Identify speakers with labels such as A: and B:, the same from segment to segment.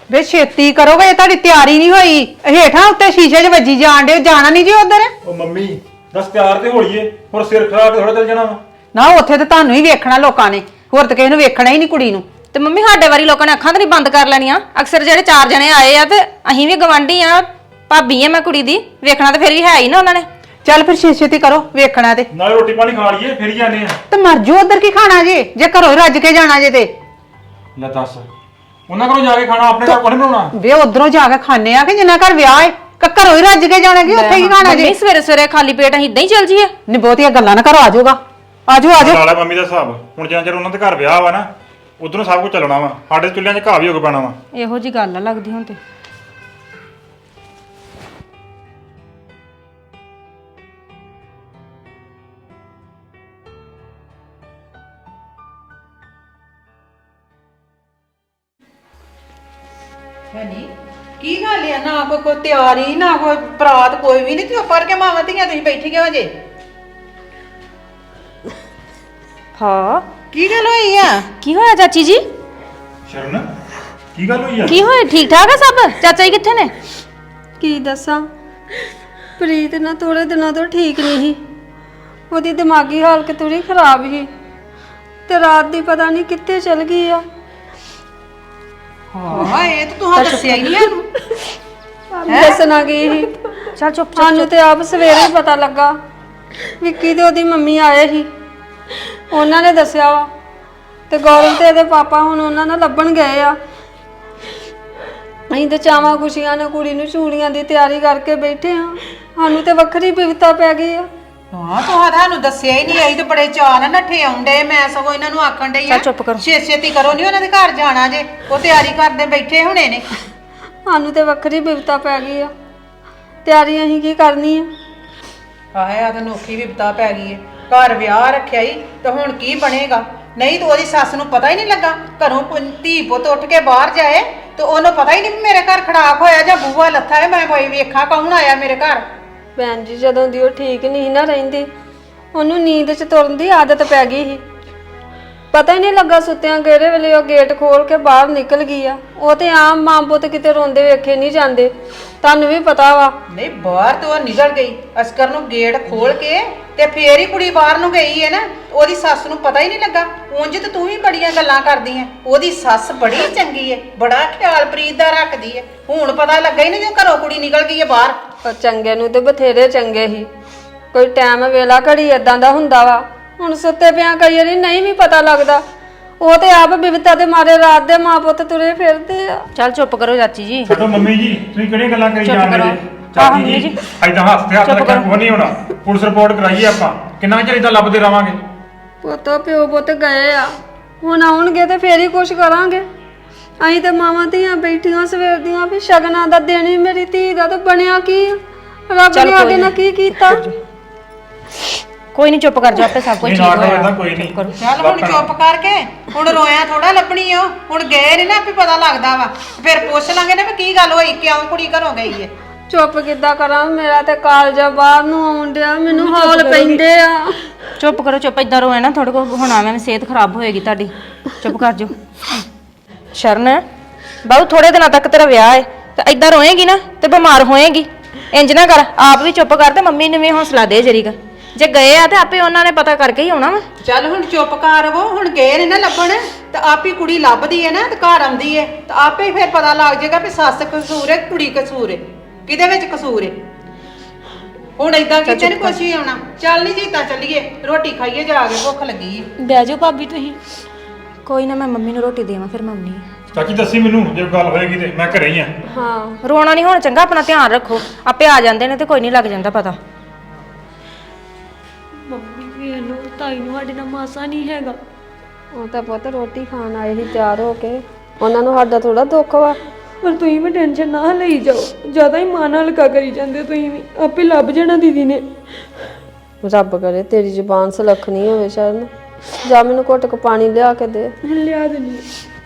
A: ਵੇ ਛੇਤੀ ਕਰੋਗੇ, ਇਹ ਤੁਹਾਡੀ ਤਿਆਰੀ ਨਹੀਂ ਹੋਈ। ਹੇਠਾਂ ਉੱਤੇ ਸ਼ੀਸ਼ੇ 'ਚ ਵੱਜੀ ਜਾਣ ਡੇ, ਜਾਣਾ ਨਹੀਂ ਜੀ ਉਧਰ।
B: ਉਹ ਮੰਮੀ ਦੱਸ ਤਿਆਰ ਤੇ ਹੋਈਏ, ਹੋਰ ਸਿਰ ਖਰਾਬ ਥੋੜਾ ਚੱਲ ਜਾਣਾ ਵਾ।
A: ਨਾ ਉੱਥੇ ਤੇ ਤੁਹਾਨੂੰ ਹੀ ਵੇਖਣਾ ਲੋਕਾਂ ਨੇ, ਹੋਰ ਤੇ ਕਿਸੇ ਨੂੰ ਵੇਖਣਾ ਹੀ ਨਹੀਂ ਕੁੜੀ ਨੂੰ।
C: ਤੇ ਮੰਮੀ ਸਾਡੇ ਵਾਰੀ ਲੋਕਾਂ ਨੇ ਅੱਖਾਂ ਤਾਂ ਨਹੀਂ ਬੰਦ ਕਰ ਲੈਣੀਆਂ। ਅਕਸਰ ਜਿਹੜੇ 4 ਜਣੇ ਆਏ ਆ ਤੇ ਅਸੀਂ ਵੀ ਗਵਾਂਢੀ ਆ, ਭਾਬੀ ਆ ਮੈਂ ਕੁੜੀ ਦੀ, ਵੇਖਣਾ ਤਾਂ ਫਿਰ ਵੀ ਹੈ ਹੀ ਨਾ ਉਹਨਾਂ ਨੇ।
A: ਚੱਲ ਫਿਰ ਛੇਤੀ ਕਰੋ, ਵੇਖਣਾ ਤੇ
B: ਨਾਲੇ ਰੋਟੀ ਪਾਣੀ ਖਾ ਲਈਏ ਫਿਰ ਹੀ ਜਾਂਦੇ ਆ।
A: ਤੇ ਮਰ ਜਾਓ ਉਧਰ ਕੀ ਖਾਣਾ ਜੇ ਘਰੋਂ ਹੀ ਰੱਜ ਕੇ ਜਾਣਾ ਜੇ ਤੇ।
B: ਲੈ ਦੱਸ ਉਹਨਾਂ ਕੋਲੋਂ ਜਾ ਕੇ ਖਾਣਾ, ਆਪਣੇ ਘਰ ਕੋਲ ਬਣਾਉਣਾ।
A: ਵੇ ਉਧਰੋਂ ਜਾ ਕੇ ਖਾਣੇ ਆ ਕਿ ਜਿੰਨਾ ਘਰ ਵਿਆਹ ਹੈ, ਘਰੋਂ ਹੀ ਰੱਜ ਕੇ ਜਾਣਾ ਕਿ ਉੱਥੇ ਹੀ ਖਾਣਾ ਜੇ।
C: ਮੰਮੀ ਸਵੇਰੇ ਸਵੇਰੇ ਖਾਲੀ ਪੇਟ ਅਸੀਂ ਇਦਾਂ ਹੀ ਚੱਲ ਜੀਏ?
A: ਨਹੀਂ ਬਹੁਤੀਆਂ ਗੱਲਾਂ ਨਾ ਕਰੋ, ਆ ਜਾਊਗਾ, ਆ ਜਾਓ ਆ ਜਾਓ।
B: ਨਾਲੇ ਮੰਮੀ ਦਾ ਹਿਸਾਬ ਹੁਣ ਜਿੰਨਾ ਚਿਰ ਉਹਨਾਂ ਦੇ ਘਰ ਵਿਆਹ ਵਾ ਨਾ, ਉਧਰੋਂ ਸਭ ਕੁਝ ਚੱਲਣਾ ਵਾ। ਸਾਡੇ ਚੁੱਲ੍ਹਿਆਂ 'ਚ ਘਾਹ ਵੀ ਹੋ ਕੇ ਪੈਣਾ ਵਾ।
C: ਇਹੋ ਜੀ ਗੱਲ ਆ ਲੱਗਦੀ ਹੁਣ ਤੇ।
A: ਨਹੀਂ ਕੀ ਗੱਲ ਆ, ਨਾ ਕੋਈ ਤਿਆਰੀ ਨਾ ਕੋਈ ਬਰਾਤ, ਕੋਈ ਵੀ ਨਹੀਂ। ਚੁੱਪ ਕਰਕੇ ਮਾਵਾਂ ਧੀਆਂ ਤੁਸੀਂ ਬੈਠੀਆਂ ਹੋ ਜੇ।
C: ਹਾਂ
A: ਕੀ ਗੱਲ ਹੋਈ ਆ?
C: ਕੀ ਹੋਇਆ ਚਾਚੀ ਜੀ?
B: ਸ਼ਰਨ ਕੀ ਗੱਲ ਹੋਈ ਆ?
C: ਕੀ ਹੋਇਆ? ਠੀਕ ਠਾਕ ਆ ਸਭ? ਚਾਚਾ ਜੀ ਕਿੱਥੇ ਨੇ?
D: ਕੀ ਦੱਸਾਂ, ਪ੍ਰੀਤ ਨਾ ਥੋੜੇ ਦਿਨਾਂ ਤੋਂ ਠੀਕ ਨਹੀਂ ਸੀ। ਉਹਦੀ ਦਿਮਾਗੀ ਹਾਲਤ ਥੋੜੀ ਖਰਾਬ ਸੀ ਤੇ ਰਾਤ ਦੀ ਪਤਾ ਨਹੀਂ ਕਿੱਥੇ ਚਲ ਗਈ ਆ।
A: ਹਾਂ ਇਹ ਤਾਂ ਤੁਹਾਨੂੰ ਦੱਸਿਆ ਹੀ ਨਹੀਂ ਇਹਨੂੰ।
D: ਦੱਸਣਾ ਗਈ ਸੀ।
C: ਚੱਲ ਚੁੱਪ
D: ਸਾਨੂੰ ਤੇ ਆਪ ਸਵੇਰੇ ਪਤਾ ਲੱਗਾ। ਵਿੱਕੀ ਤੇ ਉਹਦੀ ਮੰਮੀ ਆਏ ਸੀ, ਉਹਨਾਂ ਨੇ ਦੱਸਿਆ ਵਾ। ਤੇ ਗੌਰਵ ਤੇ ਇਹਦੇ ਪਾਪਾ ਹੁਣ ਉਹਨਾਂ ਨਾਲ ਲੱਭਣ ਗਏ ਆ। ਅਸੀਂ ਤੇ ਚਾਵਾਂ ਖੁਸ਼ੀਆਂ ਨਾਲ ਕੁੜੀ ਨੂੰ ਚੂੜੀਆਂ ਦੀ ਤਿਆਰੀ ਕਰਕੇ ਬੈਠੇ ਆ। ਸਾਨੂੰ ਤੇ ਵੱਖਰੀ ਬਿਪਤਾ ਪੈ ਗਈ ਆ।
A: ਹਾਂ ਤੁਹਾਨੂੰ ਦੱਸਿਆ ਹੀ ਨਹੀਂ। ਅਸੀਂ ਤੇ ਬੜੇ ਚਾਅ ਨਾਲ ਨੱਠੇ ਆਉਂਦੇ। ਮੈਂ ਸਗੋਂ ਇਹਨਾਂ ਨੂੰ ਆਖਣ ਡਈ ਆ
C: ਚੁੱਪ ਕਰੋ।
A: ਛੇਤੀ ਕਰੋ, ਨਹੀਂ ਉਹਨਾਂ ਦੇ ਘਰ ਜਾਣਾ ਜੇ, ਉਹ ਤਿਆਰੀ ਕਰਦੇ ਬੈਠੇ ਹੋਣੇ ਨੇ।
D: ਸਾਨੂੰ ਤੇ ਵੱਖਰੀ ਬਿਪਤਾ ਪੈ ਗਈ ਆ। ਤਿਆਰੀ ਅਸੀਂ ਕੀ ਕਰਨੀ ਆ?
A: ਆਹੇ ਆ ਤਾਂ ਨੋਖੀ ਵਿਪਤਾ ਪੈ ਗਈ ਏ। ਘਰ ਵਿਆਹ ਰੱਖਿਆ ਹੀ ਤਾਂ ਹੁਣ ਕੀ ਬਣੇਗਾ? ਨਹੀਂ ਤਾਂ ਉਹਦੀ ਸੱਸ ਨੂੰ ਪਤਾ ਹੀ ਨਹੀਂ ਲੱਗਾ। ਘਰੋਂ ਧੀ ਪੁੱਤ ਉੱਠ ਕੇ ਬਾਹਰ ਜਾਏ ਤੇ ਉਹਨੂੰ ਪਤਾ ਹੀ ਨਹੀਂ ਮੇਰੇ ਘਰ ਖੜਾਕ ਹੋਇਆ ਜਾਂ ਬੂਹਾ ਲੱਥਾ ਹੈ। ਮੈਂ ਕੋਈ ਵੇਖਾਂ ਕੌਣ ਆਇਆ ਮੇਰੇ ਘਰ।
D: ਭੈਣ ਜੀ ਜਦੋਂ ਦੀ ਉਹ ਠੀਕ ਨਹੀਂ ਨਾ ਰਹਿੰਦੀ, ਉਹਨੂੰ ਨੀਂਦ 'ਚ ਤੁਰਨ ਦੀ ਆਦਤ ਪੈ ਗਈ ਸੀ। ਪਤਾ ਹੀ ਨਹੀਂ ਲੱਗਾ ਸੁੱਤਿਆਂ ਕਿਹੜੇ ਵੇਲੇ ਉਹ ਗੇਟ ਖੋਲ ਕੇ ਬਾਹਰ ਨਿਕਲ ਗਈ ਆ। ਉਹ ਤੇ ਆਮ ਮਾਂ ਪੁੱਤ ਕਿਤੇ ਰੋਂਦੇ ਵੇਖੇ ਨਹੀਂ ਜਾਂਦੇ, ਤੁਹਾਨੂੰ ਵੀ ਪਤਾ ਵਾ।
A: ਨਹੀਂ ਬਾਹਰ ਤੋਂ ਉਹ ਨਿਕਲ ਗਈ, ਅਸਕਰ ਨੂੰ ਗੇਟ ਖੋਲ ਕੇ ਤੇ ਫੇਰ ਹੀ ਕੁੜੀ ਬਾਹਰ ਨੂੰ ਗਈ ਹੈ ਨਾ। ਉਹਦੀ ਸੱਸ ਨੂੰ ਪਤਾ ਹੀ ਨਹੀਂ ਲੱਗਾ। ਉਂਝ ਤੇ ਤੂੰ ਵੀ ਬੜੀਆਂ ਗੱਲਾਂ ਕਰਦੀ ਐ। ਉਹਦੀ ਸੱਸ ਬੜੀ ਚੰਗੀ ਐ, ਬੜਾ ਖਿਆਲ ਪ੍ਰੀਤ ਦਾ ਰੱਖਦੀ ਐ। ਹੁਣ ਪਤਾ ਲੱਗਾ ਹੀ ਨਹੀਂ ਜੋ ਘਰੋਂ ਕੁੜੀ ਨਿਕਲ ਗਈ ਐ ਬਾਹਰ।
D: ਪਰ ਚੰਗੇ ਨੂੰ ਤੇ ਬਥੇਰੇ ਚੰਗੇ ਸੀ। ਕੋਈ ਟਾਈਮ ਵੇਲਾ ਘੜੀ ਏਦਾਂ ਦਾ ਹੁੰਦਾ ਵਾ। ਹੁਣ ਸੁੱਤੇ ਪਿਆਂ ਕਈ ਵਾਰੀ ਨਹੀਂ ਵੀ ਪਤਾ ਲੱਗਦਾ। ਉਹ ਤੇ ਆਪ ਬਿਵਤਾ ਦੇ ਮਾਰੇ ਰਾਤ ਦੇ ਮਾਂ ਪੁੱਤ ਤੁਰੇ ਫਿਰਦੇ ਆ।
C: ਚੱਲ ਚੁੱਪ ਕਰੋ ਚਾਚੀ ਜੀ।
B: ਛੱਡੋ ਮੰਮੀ ਜੀ, ਤੁਸੀਂ ਕਿਹੜੀਆਂ ਗੱਲਾਂ ਕਰੀ
C: ਚੁੱਪ
B: ਜਾਂਦੇ
C: ਕਰੋ।
B: ਜੀ? ਚਾਚੀ
C: ਮੰਮੀ
B: ਜੀ
C: ਜੀ।
B: ਐਦਾਂ ਹੱਥ ਤੇ ਹੱਥ ਰੱਖਿਆ ਕੋਈ ਨਹੀਂ ਹੋਣਾ। ਪੁਲਿਸ ਰਿਪੋਰਟ ਕਰਾਈਏ ਆਪਾਂ। ਕਿੰਨਾ ਚਿਰ ਇਦਾਂ ਲੱਭਦੇ ਰਵਾਂਗੇ?
D: ਪੁੱਤ ਪਿਓ ਪੁੱਤ ਗਏ ਆ, ਹੁਣ ਆਉਣਗੇ ਤੇ ਫੇਰ ਹੀ ਕੁਛ ਕਰਾਂਗੇ। ਅਸੀਂ ਤੇ ਮਾਵਾਂ ਧੀਆਂ ਬੈਠੀਆਂ ਸਵੇਰ ਦੀਆਂ ਵੀ ਸ਼ਗਨਾਂ ਦਾ ਦਿਨ ਹੀ ਮੇਰੀ ਧੀ ਦਾ ਤੇ ਬਣਿਆ ਕੀ ਆ? ਰੱਬ ਨੇ ਅੱਗੇ ਨਾ ਕੀ ਕੀਤਾ।
C: ਕੋਈ ਨਹੀਂ, ਚੁੱਪ ਕਰ ਜਾ, ਆਪੇ ਸਭ ਕੁਝ
B: ਨਹੀਂ
C: ਠੀਕ
B: ਨਾ
C: ਹੋ
B: ਕਰੋ
C: ਜਾਣਾ।
B: ਏਦਾਂ ਕੋਈ ਨਹੀਂ।
A: ਚੱਲ ਹੁਣ ਚੁੱਪ ਕਰਕੇ, ਹੁਣ ਰੋਇਆ ਥੋੜਾ ਲੱਭਣੀ ਓ। ਹੁਣ ਗਏ ਨੇ ਨਾ ਆਪੇ ਪਤਾ ਲੱਗਦਾ ਵਾ। ਫਿਰ ਪੁੱਛ ਲਾਂਗੇ ਨਾ ਵੀ ਕੀ ਗੱਲ ਹੋਈ, ਕਿਉਂ ਕੁੜੀ ਘਰੋਂ ਗਈ ਏ।
D: ਚੁੱਪ ਕਿੱਦਾਂ ਕਰਾਂ? ਮੇਰਾ ਤੇ ਕਾਲਜਾ ਬਾਹਰ ਨੂੰ ਆਉਣ ਡਿਆ, ਮੈਨੂੰ ਹੌਲ ਪੈਂਦੇ ਆ।
C: ਚੁੱਪ ਕਰੋ, ਚੁੱਪ। ਇਦਾਂ ਰੋਏ ਨਾ, ਥੋੜੇ ਕੋ ਹੁਣ ਐਵੇਂ ਸਿਹਤ ਖਰਾਬ ਹੋਏਗੀ ਤੁਹਾਡੀ। ਚੁੱਪ ਕਰ ਜਾਓ। ਸ਼ਰਨ ਬਾਹੂ, ਥੋੜੇ ਦਿਨਾਂ ਤੱਕ ਤੇਰਾ ਵਿਆਹ ਹੈ ਤੇ ਇਦਾਂ ਰੋਏਗੀ ਨਾ ਤੇ ਬਿਮਾਰ ਹੋਏਗੀ। ਇੰਜ ਨਾ ਕਰ, ਆਪ ਵੀ ਚੁੱਪ ਕਰ ਤੇ ਮੰਮੀ ਨੂੰ ਵੀ ਹੌਸਲਾ ਦੇ ਜਰੀਗਾ। ਜੇ ਗਏ ਆ ਤੇ ਆਪੇ ਉਹਨਾਂ ਨੇ ਪਤਾ ਕਰਕੇ ਹੀ ਆਉਣਾ ਵਾ।
A: ਚੱਲ ਹੁਣ ਚੁੱਪ ਕਰ ਵੋ। ਹੁਣ ਗਏ ਨੇ ਨਾ ਲੱਭਣ ਤੇ ਆਪੇ ਕੁੜੀ ਲੱਭਦੀ ਹੈ ਨਾ ਤੇ ਘਰ ਆਉਂਦੀ ਹੈ ਤੇ ਆਪੇ ਫਿਰ ਪਤਾ ਲੱਗ ਜਾਏਗਾ ਵੀ ਸੱਸ ਕਸੂਰ ਹੈ ਕੁੜੀ ਕਸੂਰ ਹੈ, ਕਿਹਦੇ ਵਿੱਚ ਕਸੂਰ ਹੈ। ਹੁਣ ਏਦਾਂ ਕਿਤੇ ਨਹੀਂ ਕੁਛ ਵੀ ਆਉਣਾ। ਚੱਲ ਨਹੀਂ ਜੀ ਤਾਂ ਚੱਲੀਏ, ਰੋਟੀ ਖਾਈਏ ਜਾ ਕੇ, ਭੁੱਖ ਲੱਗੀ ਹੈ।
C: ਬਹਿ ਜਾਓ ਭਾਬੀ ਤੁਸੀਂ। ਕੋਈ ਨਾ, ਮੈਂ ਮੰਮੀ ਨੂੰ ਰੋਟੀ ਦੇਵਾਂ ਫਿਰ ਮੰਮੀ।
B: ਚਾਚੀ ਦੱਸੀ ਮੈਨੂੰ, ਜੇ ਗੱਲ ਹੋਏਗੀ ਤੇ ਮੈਂ ਘਰੇ ਹੀ ਆ।
D: ਹਾਂ
C: ਰੋਣਾ ਨਹੀਂ ਹੁਣ, ਚੰਗਾ? ਆਪਣਾ ਧਿਆਨ ਰੱਖੋ, ਆਪੇ ਆ ਜਾਂਦੇ ਨੇ ਤੇ ਕੋਈ ਨਹੀਂ ਲੱਗ ਜਾਂਦਾ ਪਤਾ।
E: ਮੰਮੀ ਵੇਖ ਲਓ, ਤਾਈ ਨੂੰ ਸਾਡੇ ਨਾਲ ਮਾਸਾ ਨਹੀਂ ਹੈਗਾ।
D: ਉਹ ਤਾਂ ਪੁੱਤ ਰੋਟੀ ਖਾਣ ਆਏ ਸੀ ਤਿਆਰ ਹੋ ਕੇ, ਉਹਨਾਂ ਨੂੰ ਸਾਡਾ ਥੋੜਾ ਦੁੱਖ ਵਾ।
E: ਪਰ ਤੁਸੀਂ ਵੀ ਟੈਨਸ਼ਨ ਨਾ ਲਈ ਜਾਓ, ਜ਼ਿਆਦਾ ਹੀ ਮਨ ਹਲਕਾ ਕਰੀ ਜਾਂਦੇ ਹੋ ਤੁਸੀਂ ਵੀ। ਆਪੇ ਲੱਭ ਜਾਣਾ ਦੀਦੀ ਨੇ।
D: ਰੱਬ ਕਰੇ ਤੇਰੀ ਜ਼ੁਬਾਨ ਸੁਲੱਖਣੀ ਹੋਵੇ ਸ਼ਰਨ। ਜਾ ਮੈਨੂੰ ਘੁੱਟ ਕੇ ਪਾਣੀ ਲਿਆ ਕੇ ਦੇ।
E: ਲਿਆ ਦਿੰਦੀ।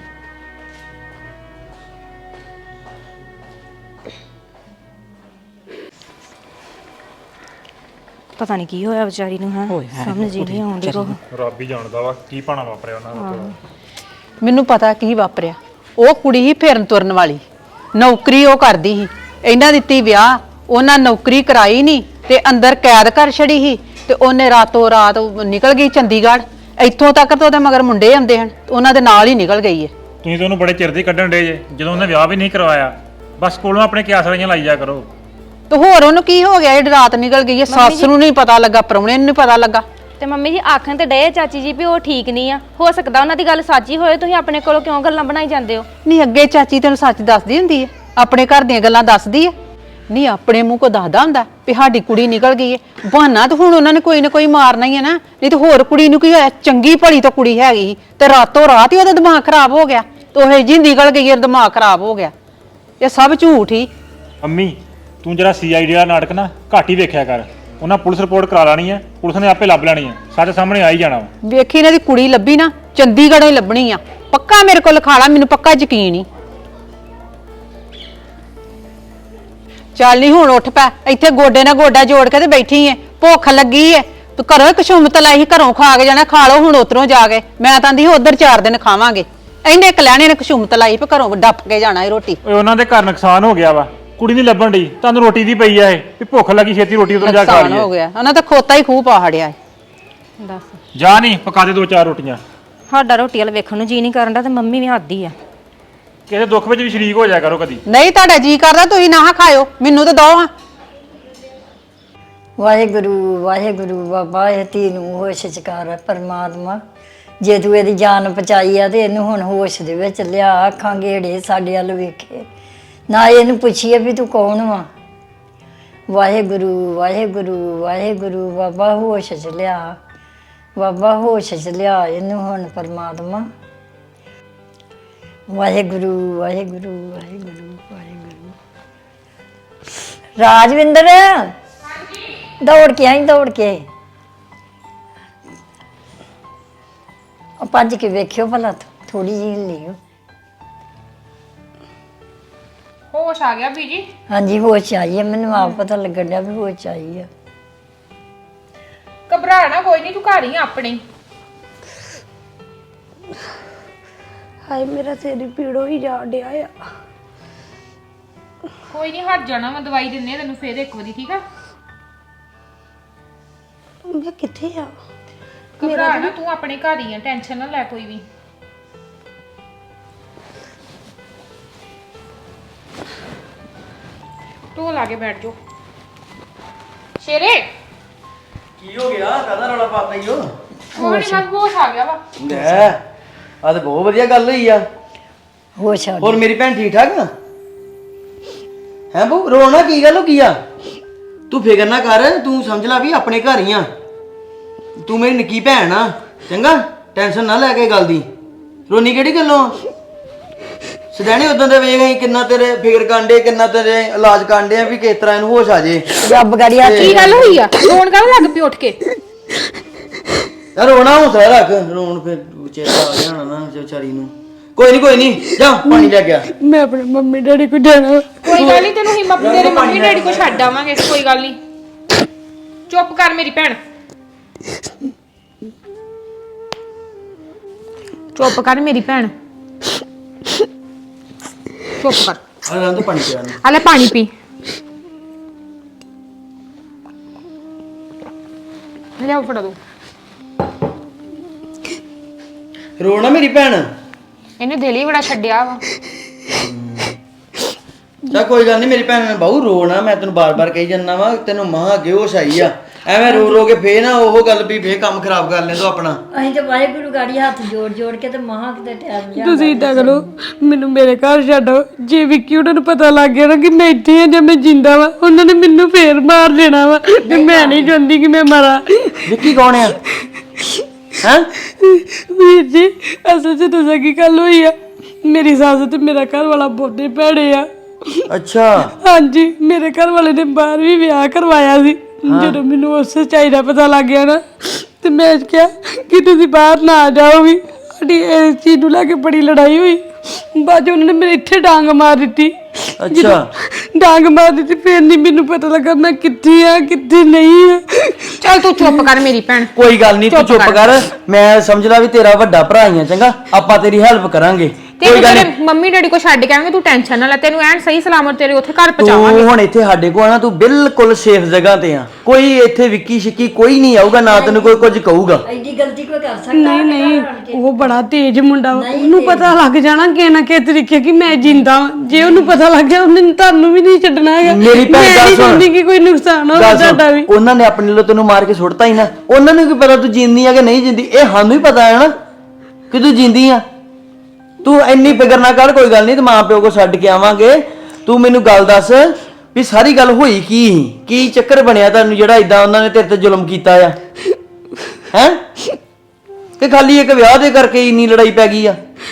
C: ਪਤਾ ਨਹੀਂ ਕੀ ਹੋਇਆ ਵਿਚਾਰੀ ਨੂੰ, ਹੈ ਸਮਝ ਹੀ ਨਹੀਂ ਆਉਂਦੀ ਕੋ।
B: ਰੱਬ ਹੀ ਜਾਣਦਾ ਵਾ ਕੀ ਪਾਣਾ ਵਾਪਰਿਆ ਉਹਨਾਂ ਦਾ।
A: ਮੈਨੂੰ ਪਤਾ ਕੀ ਵਾਪਰਿਆ। ਉਹ ਕੁੜੀ ਹੀ ਫੇਰਨ ਤੁਰਨ ਵਾਲੀ, ਨੌਕਰੀ ਉਹ ਕਰਦੀ ਸੀ, ਇਹਨਾਂ ਦਿੱਤੀ ਵਿਆਹ, ਉਹਨਾਂ ਨੌਕਰੀ ਕਰਾਈ ਨਹੀਂ ਤੇ ਅੰਦਰ ਕੈਦ ਕਰ ਛੜੀ ਸੀ ਤੇ ਉਹਨੇ ਰਾਤੋਂ ਰਾਤ ਨਿਕਲ ਗਈ ਚੰਡੀਗੜ੍ਹ। ਇੱਥੋਂ ਤੱਕ ਤਾਂ ਉਹਦੇ ਮਗਰ ਮੁੰਡੇ ਆਉਂਦੇ ਹਨ, ਉਹਨਾਂ ਦੇ ਨਾਲ ਹੀ ਨਿਕਲ ਗਈ ਹੈ।
B: ਤੁਸੀਂ ਤਾਂ ਉਹਨੂੰ ਬੜੇ ਚਿਰ ਦੀ ਕੱਢਣ ਡੇ ਜੇ, ਜਦੋਂ ਉਹਨੇ ਵਿਆਹ ਵੀ ਨਹੀਂ ਕਰਵਾਇਆ। ਬਸ ਕੋਲੋਂ ਆਪਣੇ ਕਿਆਸ ਵਾਲੀਆਂ ਲਾਈ ਜਾ ਕਰੋ।
A: ਤੇ ਹੋਰ ਉਹਨੂੰ ਕੀ ਹੋ ਗਿਆ ਜਿਹੜੀ ਰਾਤ ਨਿਕਲ ਗਈ ਹੈ? ਸੱਸ ਨੂੰ ਨਹੀਂ ਪਤਾ ਲੱਗਾ, ਪ੍ਰਾਹੁਣੇ ਨੂੰ ਨਹੀਂ ਪਤਾ ਲੱਗਾ।
C: ਤੇ ਮੰਮੀ ਜੀ ਆਖਣ ਤੇ ਡਏ ਚਾਚੀ ਜੀ ਵੀ ਉਹ ਠੀਕ ਨਹੀਂ ਆ, ਹੋ ਸਕਦਾ ਉਹਨਾਂ ਦੀ ਗੱਲ ਸੱਚੀ ਹੋਏ, ਤੁਸੀਂ ਆਪਣੇ ਕੋਲੋਂ ਕਿਉਂ ਗੱਲਾਂ ਬਣਾਈ ਜਾਂਦੇ ਹੋ?
A: ਨਹੀਂ ਅੱਗੇ ਚਾਚੀ ਤੈਨੂੰ ਸੱਚ ਦੱਸਦੀ ਹੁੰਦੀ ਹੈ, ਆਪਣੇ ਘਰ ਦੀਆਂ ਗੱਲਾਂ ਦੱਸਦੀ ਹੈ। ਨਹੀਂ ਆਪਣੇ ਮੂੰਹ ਕੋ ਦੱਸਦਾ ਹੁੰਦਾ ਵੀ ਸਾਡੀ ਕੁੜੀ ਨਿਕਲ ਗਈ ਹੈ। ਬਹਾਨਾ ਤਾਂ ਹੁਣ ਉਹਨਾਂ ਨੇ ਕੋਈ ਨਾ ਕੋਈ ਮਾਰਨਾ ਹੀ ਹੈ ਨਾ, ਨਹੀਂ ਤੇ ਹੋਰ ਕੁੜੀ ਨੂੰ ਕੀ ਹੋਇਆ? ਚੰਗੀ ਭਲੀ ਤਾਂ ਕੁੜੀ ਹੈਗੀ ਸੀ ਤੇ ਰਾਤੋਂ ਰਾਤ ਹੀ ਉਹਦਾ ਦਿਮਾਗ ਖਰਾਬ ਹੋ ਗਿਆ ਤੇ ਉਹ ਜੀ ਨਿਕਲ ਗਈ, ਦਿਮਾਗ ਖਰਾਬ ਹੋ ਗਿਆ। ਇਹ ਸਭ ਝੂਠ ਹੀ।
B: ਅੰਮੀ ਤੂੰ ਜਿਹੜਾ CID ਦਾ ਨਾਟਕ ਨਾ ਘੱਟ ਹੀ ਵੇਖਿਆ ਕਰ। ਉਹਨਾਂ ਪੁਲਿਸ ਰਿਪੋਰਟ ਕਰਾ ਲੈਣੀ ਹੈ, ਪੁਲਿਸ ਨੇ ਆਪੇ ਲੱਭ ਲੈਣੀ ਹੈ, ਸਾਡੇ ਸਾਹਮਣੇ ਆ ਹੀ ਜਾਣਾ ਵਾ।
A: ਵੇਖੀ ਇਹਨਾਂ ਦੀ ਕੁੜੀ ਲੱਭੀ ਨਾ, ਚੰਡੀਗੜ੍ਹੋਂ ਹੀ ਲੱਭਣੀ ਆ ਪੱਕਾ। ਮੇਰੇ ਕੋਲ ਲਿਖਾ ਲਾ, ਮੈਨੂੰ ਪੱਕਾ ਯਕੀਨ ਹੀ। ਚੱਲ ਨਹੀਂ ਹੁਣ ਉੱਠ ਪੈ, ਇੱਥੇ ਗੋਡੇ ਨਾਲ ਗੋਡਾ ਜੋੜ ਕੇ ਤੇ ਬੈਠੀ ਐ, ਭੁੱਖ ਲੱਗੀ ਐ। ਤੂੰ ਘਰੋਂ ਕਸ਼ੂਮਤ ਲਾਈ, ਘਰੋਂ ਖਾ ਕੇ ਜਾਣਾ, ਖਾ ਲਓ ਹੁਣ ਉਧਰੋਂ ਜਾ ਕੇ। ਮੈਂ ਤਾਂ ਆਂਦੀ ਉਧਰ 4 ਦਿਨ ਖਾਵਾਂਗੇ। ਇਹਨੇ ਕਲਿਆਣੇ ਨੇ ਕਸ਼ੂਮਤ ਲਾਈ ਵੀ ਘਰੋਂ ਡੱਫ ਕੇ ਜਾਣਾ ਇਹ ਰੋਟੀ।
B: ਓਏ ਉਹਨਾਂ ਦੇ ਘਰ ਨੁਕਸਾਨ ਹੋ ਗਿਆ ਵਾ, ਕੁੜੀ ਨਹੀਂ ਲੱਭਣ ਡਈ, ਤੁਹਾਨੂੰ ਰੋਟੀ ਦੀ ਪਈ ਆ ਇਹ ਵੀ ਭੁੱਖ ਲੱਗੀ ਛੇਤੀ ਰੋਟੀ ਉਧਰ ਜਾ ਕੇ ਖਾ
A: ਨੁਕਸਾਨ ਹੋ
B: ਲਈਏ।
A: ਗਿਆ, ਉਹਨਾਂ ਤਾਂ ਖੋਤਾ ਹੀ ਖੂਹ ਪਾ ਹੜਿਆ।
C: ਦੱਸ
B: ਜਾ ਨਹੀਂ ਪਕਾ ਦੇ 2-4 ਰੋਟੀਆਂ।
C: ਸਾਡਾ ਰੋਟੀ ਵਾਲ ਵੇਖਣ ਨੂੰ ਜੀ ਨਹੀਂ ਕਰਨ ਦਾ ਤੇ ਮੰਮੀ ਵੀ ਹੱਦੀ ਆ।
B: ਕਿਸੇ ਦੁੱਖ ਵਿੱਚ ਵੀ ਸ਼ਰੀਕ ਹੋ ਜਾਇਆ ਕਰੋ ਕਦੀ।
A: ਨਹੀਂ ਤੁਹਾਡਾ ਜੀ ਕਰਦਾ ਤੁਸੀਂ ਨਾ ਖਾਇਓ, ਮੈਨੂੰ ਤਾਂ ਦੋ ਹਾਂ।
F: ਵਾਹਿਗੁਰੂ ਵਾਹਿਗੁਰੂ ਬਾਬਾ ਇਹ ਧੀ ਨੂੰ ਹੋਸ਼ ਚ ਕਰ ਪਰਮਾਤਮਾ। ਜੇ ਤੂੰ ਇਹਦੀ ਜਾਨ ਬਚਾਈ ਆ ਤੇ ਇਹਨੂੰ ਹੁਣ ਹੋਸ਼ ਦੇ ਵਿੱਚ ਲਿਆ, ਅੱਖਾਂ ਗੇੜੇ ਸਾਡੇ ਵੱਲ ਵੇਖੇ ਨਾ, ਇਹਨੂੰ ਪੁੱਛੀਏ ਵੀ ਤੂੰ ਕੌਣ ਵਾ। ਵਾਹਿਗੁਰੂ ਵਾਹਿਗੁਰੂ ਵਾਹਿਗੁਰੂ ਬਾਬਾ ਹੋਸ਼ ਚ ਲਿਆ, ਬਾਬਾ ਹੋਸ਼ ਚ ਲਿਆ ਇਹਨੂੰ ਹੁਣ ਪਰਮਾਤਮਾ। ਵਾਹਿਗੁਰੂ ਵਾਹਿਗੁਰੂ ਵਾਹਿਗੁਰੂ ਵਾਹਿਗੁਰੂ। ਰਾਜਵਿੰਦਰ ਦੌੜ ਕੇ ਆਈ, ਦੌੜ ਕੇ ਭੱਜ ਕੇ ਵੇਖਿਓ ਭਲਾ ਥੋੜੀ ਜਿਹੀ ਹਿੱਲੀ।
G: ਹੋਸ਼ ਆ ਗਿਆ ਬੀਜੀ?
F: ਹਾਂਜੀ ਹੋਸ਼ ਆਈ ਹੈ, ਮੈਨੂੰ ਆਪ ਪਤਾ ਲੱਗਣ ਡਿਆ ਵੀ ਹੋਸ਼ ਆਈ ਹੈ।
G: ਘਬਰਾਣਾ ਕੋਈ ਨਹੀਂ, ਤੂੰ ਘਰ ਹੀ ਆ ਆਪਣੇ।
E: ਹਾਏ ਮੇਰਾ ਸਿਰ ਪੀੜੋ ਹੀ ਜਾ ਡਿਆ ਆ।
G: ਕੋਈ ਨਹੀਂ ਹਟ ਜਾਣਾ, ਮੈਂ ਦਵਾਈ ਦਿੰਨੇ ਆ ਤੈਨੂੰ ਫੇਰ ਇੱਕ ਵਾਰੀ, ਠੀਕ ਆ?
E: ਮੈਂ ਕਿੱਥੇ ਆ?
G: ਘਬਰਾਣਾ ਤੂੰ ਆਪਣੇ ਘਰ ਹੀ ਆ, ਟੈਨਸ਼ਨ ਨਾ ਲੈ ਕੋਈ ਵੀ। ਢੋਲ ਲਾ ਕੇ ਬੈਠ ਜਾ ਸ਼ੇਰੇ।
H: ਕੀ ਹੋ ਗਿਆ? ਕਾਹਦਾ ਰੌਲਾ ਪਾਤਾ ਈ ਓ?
G: ਕੋਈ ਨਹੀਂ, ਬਸ ਹੋਸ਼ ਆ ਗਿਆ ਵਾ।
H: ਲੈ ਆ ਤੇ ਬਹੁਤ ਵਧੀਆ ਗੱਲ ਹੋਈ ਆ।
F: ਹੋਸ਼ ਆ
H: ਹੋਰ ਮੇਰੀ ਭੈਣ ਠੀਕ ਠਾਕ ਆ? ਹੈ ਬੂ ਰੋਣਾ ਕੀ ਗੱਲ ਹੋ ਗਈ ਆ? ਤੂੰ ਫਿਕਰ ਨਾ ਕਰ, ਤੂੰ ਸਮਝ ਲੈ ਵੀ ਆਪਣੇ ਘਰ ਹੀ ਆ। ਤੂੰ ਮੇਰੀ ਨਿੱਕੀ ਭੈਣ ਆ, ਚੰਗਾ? ਟੈਨਸ਼ਨ ਨਾ ਲੈ ਕੇ ਗੱਲ ਦੀ। ਰੋਣੀ ਕਿਹੜੀ ਗੱਲੋਂ? ਸਦੈਣੇ ਉਦੋਂ ਦੇ ਵੇਖ ਅਸੀਂ ਕਿੰਨਾ ਤੇਰੇ ਫਿਕਰ ਕਾਂਡੇ, ਕਿੰਨਾ ਤੇਰੇ ਇਲਾਜ ਕਾਂਡੇ ਆ ਵੀ ਕਿਸ ਤਰ੍ਹਾਂ ਇਹਨੂੰ ਹੋਸ਼ ਆ ਜੇ।
F: ਰੱਬ ਗੜੀ ਹੱਥ
G: ਕੀ ਗੱਲ ਹੋਈ ਆ? ਰੋਣ ਕਾਹਨੂੰ ਲੱਗ ਪਈ ਉੱਠ ਕੇ?
H: ਯਾਰ ਰੋਣਾ ਹੌਸਲਾ ਰੱਖ, ਰੋਣ ਫਿਰ ਚੇਤਾ ਆ ਗਿਆ ਹੋਣਾ ਨਾ ਵਿਚਾਰੀ ਨੂੰ। ਕੋਈ ਨਹੀਂ ਜਾ ਪਾਣੀ ਲੈ ਗਿਆ।
E: ਮੈਂ ਆਪਣੇ ਮੰਮੀ ਡੈਡੀ ਕੋਲ ਜਾਣਾ।
G: ਕੋਈ ਗੱਲ ਨਹੀਂ, ਤੈਨੂੰ ਹਿੰਮਤ ਤੇਰੇ ਮੰਮੀ ਡੈਡੀ ਕੋ ਛੱਡ ਆਵਾਂਗੇ, ਕੋਈ ਗੱਲ ਨਹੀਂ। ਚੁੱਪ ਕਰ ਮੇਰੀ ਭੈਣ, ਚੁੱਪ ਕਰ ਮੇਰੀ ਭੈਣ, ਚੁੱਪ ਕਰ।
H: ਆ ਰਾਂ ਤੋਂ ਪਾਣੀ ਪਿਆ ਨੂੰ।
G: ਆ ਲੈ ਪਾਣੀ ਪੀ। ਲਿਆਓ ਫੜਾ ਦੋ।
H: ਰੋਣਾ ਮੇਰੀ ਭੈਣ।
G: ਇਹਨੇ ਦਿਲ ਹੀ ਬੜਾ ਛੱਡਿਆ ਵਾ।
H: ਚਾ ਕੋਈ ਗੱਲ ਨਹੀਂ ਮੇਰੀ ਭੈਣ ਨੇ ਬਹੁ ਰੋਣਾ, ਮੈਂ ਤੈਨੂੰ ਬਾਰ-ਬਾਰ ਕਹੀ ਜਾਂਦਾ ਵਾ, ਤੈਨੂੰ ਮਾਂ ਅੱਗੇ ਹੋਸ਼ ਆਈ ਆ। ਐਵੇਂ ਰੋ ਰੋ ਕੇ ਫੇਰ ਨਾ ਉਹ ਗੱਲ ਵੀ ਫੇਰ ਕੰਮ ਖਰਾਬ ਕਰ ਲੈ ਤੂੰ ਆਪਣਾ।
F: ਅਸੀਂ ਤੇ ਵਾਹਿਗੁਰੂ ਗਾੜੀ ਹੱਥ ਜੋੜ ਜੋੜ ਕੇ ਤੇ ਮਹਾਂ ਕਿਤੇ ਟਾਈਮ ਲਿਆ।
E: ਤੁਸੀਂ ਏਦਾਂ ਕਰੋ, ਮੈਨੂੰ ਮੇਰੇ ਘਰ ਛੱਡੋ। ਜੇ ਵਿੱਕੀ ਉਹਨਾਂ ਨੂੰ ਪਤਾ ਲੱਗ ਗਿਆ ਨਾ ਕਿ ਮੈਂ ਇੱਥੇ ਆ ਜਾਂ ਮੈਂ ਜਿੰਦਾ ਵਾ, ਉਹਨਾਂ ਨੇ ਮੈਨੂੰ ਫੇਰ ਮਾਰ ਦੇਣਾ ਵਾ ਤੇ ਮੈਂ ਨਹੀਂ ਚਾਹੁੰਦੀ ਕਿ ਮੈਂ ਮਰਾਂ।
H: ਵਿੱਕੀ ਕੌਣ ਆ? ਹੈਂ?
E: ਵੀਰ ਜੀ ਅਸਲ 'ਚ ਦੱਸਾਂ ਕੀ ਗੱਲ ਹੋਈ ਆ, ਮੇਰੀ ਸੱਸ ਤੇ ਮੇਰਾ ਘਰ ਵਾਲਾ ਬਹੁਤੇ ਭੈੜੇ ਆ।
H: ਅੱਛਾ।
E: ਹਾਂਜੀ ਮੇਰੇ ਘਰ ਵਾਲੇ ਨੇ ਬਾਹਰ ਵੀ ਵਿਆਹ ਕਰਵਾਇਆ ਸੀ। ਜਦੋਂ ਮੈਨੂੰ ਉਸ ਸੱਚਾਈ ਦਾ ਪਤਾ ਲੱਗ ਗਿਆ ਨਾ ਤੇ ਮੈਂ ਕਿਹਾ ਕਿ ਤੁਸੀਂ ਬਾਹਰ ਨਾ ਜਾਓ ਵੀ। ਸਾਡੀ ਇਸ ਚੀਜ਼ ਨੂੰ ਲੈ ਕੇ ਬੜੀ ਲੜਾਈ ਹੋਈ। ਬਾਅਦ 'ਚ ਉਹਨਾਂ ਨੇ ਮੇਰੇ ਇੱਥੇ ਡਾਂਗ ਮਾਰ ਦਿੱਤੀ।
H: ਅੱਛਾ।
E: ਡਾਂਗ ਮਾਰ ਦਿੱਤੀ, ਫਿਰ ਨਹੀਂ ਮੈਨੂੰ ਪਤਾ ਲੱਗਾ ਮੈਂ ਕਿੱਥੇ ਆ ਕਿੱਥੇ ਨਹੀਂ ਆ।
G: ਚੱਲ ਤੂੰ ਚੁੱਪ ਕਰ ਮੇਰੀ ਭੈਣ।
H: ਕੋਈ ਗੱਲ ਨਹੀਂ, ਤੂੰ ਚੁੱਪ ਕਰ। ਮੈਂ ਸਮਝਦਾ ਵੀ ਤੇਰਾ ਵੱਡਾ ਭਰਾ ਹੀ ਆ, ਚੰਗਾ? ਆਪਾਂ ਤੇਰੀ ਹੈਲਪ ਕਰਾਂਗੇ।
G: ਤੈਨੂੰ ਤੇਰੇ ਮੰਮੀ ਡੈਡੀ ਕੋ ਛੱਡ ਕੇ ਆਵਾਂਗੇ, ਤੂੰ ਟੈਨਸ਼ਨ ਨਾ ਲੈ, ਤੈਨੂੰ ਐਨ ਸਹੀ ਸਲਾਮਤ ਤੇਰੇ ਉੱਥੇ ਘਰ ਪਹੁੰਚਾਵਾਂਗੇ।
H: ਤੂੰ ਹੁਣ ਇੱਥੇ ਸਾਡੇ ਕੋਲ ਆ ਨਾ, ਤੂੰ ਬਿਲਕੁਲ ਸੇਫ ਜਗ੍ਹਾ ਤੇ ਆ, ਕੋਈ ਇੱਥੇ ਵਿੱਕੀ ਸ਼ਿੱਕੀ ਕੋਈ ਨਹੀਂ ਆਊਗਾ, ਨਾ ਤੈਨੂੰ ਕੋਈ ਕੁਝ ਕਹੂਗਾ।
F: ਐਡੀ ਗਲਤੀ ਕੋਈ ਕਰ ਸਕਦਾ?
E: ਨਹੀਂ ਨਹੀਂ, ਉਹ ਬੜਾ ਤੇਜ਼ ਮੁੰਡਾ ਵਾ। ਉਹਨੂੰ ਪਤਾ ਲੱਗ ਜਾਣਾ ਕਿ ਨਾ ਕਿ ਤਰੀਕੇ ਕਿ ਮੈਂ ਜਿੰਦਾ ਵਾਂ। ਜੇ ਉਹਨੂੰ ਪਤਾ ਲੱਗ ਗਿਆ ਉਹਨੇ ਤੁਹਾਨੂੰ ਵੀ ਨਹੀਂ ਛੱਡਣਾ ਹੈਗਾ।
H: ਮੇਰੀ ਭੈਣ
E: ਮੈਂ
H: ਗੱਲ
E: ਨਹੀਂ
H: ਸੁਣ।
E: ਚਾਹੁੰਦੀ ਕਿ ਕੋਈ ਨੁਕਸਾਨ ਹੋਵੇ ਤੁਹਾਡਾ ਵੀ।
H: ਉਹਨਾਂ ਨੇ ਆਪਣੇ ਲਈ ਤੈਨੂੰ ਮਾਰ ਕੇ ਸੁੱਟਤਾ ਹੀ ਨਾ, ਉਹਨਾਂ ਨੂੰ ਕੀ ਪਤਾ ਤੂੰ ਜਿੰਦੀ ਆ ਕਿ ਨਹੀਂ ਜਿੰਦੀ, ਇਹ ਸਾਨੂੰ ਹੀ ਪਤਾ ਹੈ ਨਾ ਕਿ ਤੂੰ ਜਿੰਦੀ ਆ। ਤੂੰ ਇੰਨੀ ਫਿਕਰ ਨਾ ਕਰ, ਕੋਈ ਗੱਲ ਨਹੀਂ, ਤੇ ਮਾਂ ਪਿਓ ਕੋ ਛੱਡ ਕੇ ਆਵਾਂਗੇ। ਤੂੰ ਮੈਨੂੰ ਗੱਲ ਦੱਸ ਵੀ ਸਾਰੀ ਗੱਲ ਹੋਈ ਕੀ ਸੀ, ਕੀ ਚੱਕਰ ਬਣਿਆ ਤੁਹਾਨੂੰ ਜਿਹੜਾ ਇਦਾਂ ਉਹਨਾਂ ਨੇ ਤੇਰੇ ਤੇ ਜ਼ੁਲਮ ਕੀਤਾ ਆ ਹੈ? ਕਿ ਖਾਲੀ ਇੱਕ ਵਿਆਹ ਦੇ ਕਰਕੇ ਇੰਨੀ ਲੜਾਈ ਪੈ ਗਈ ਆ?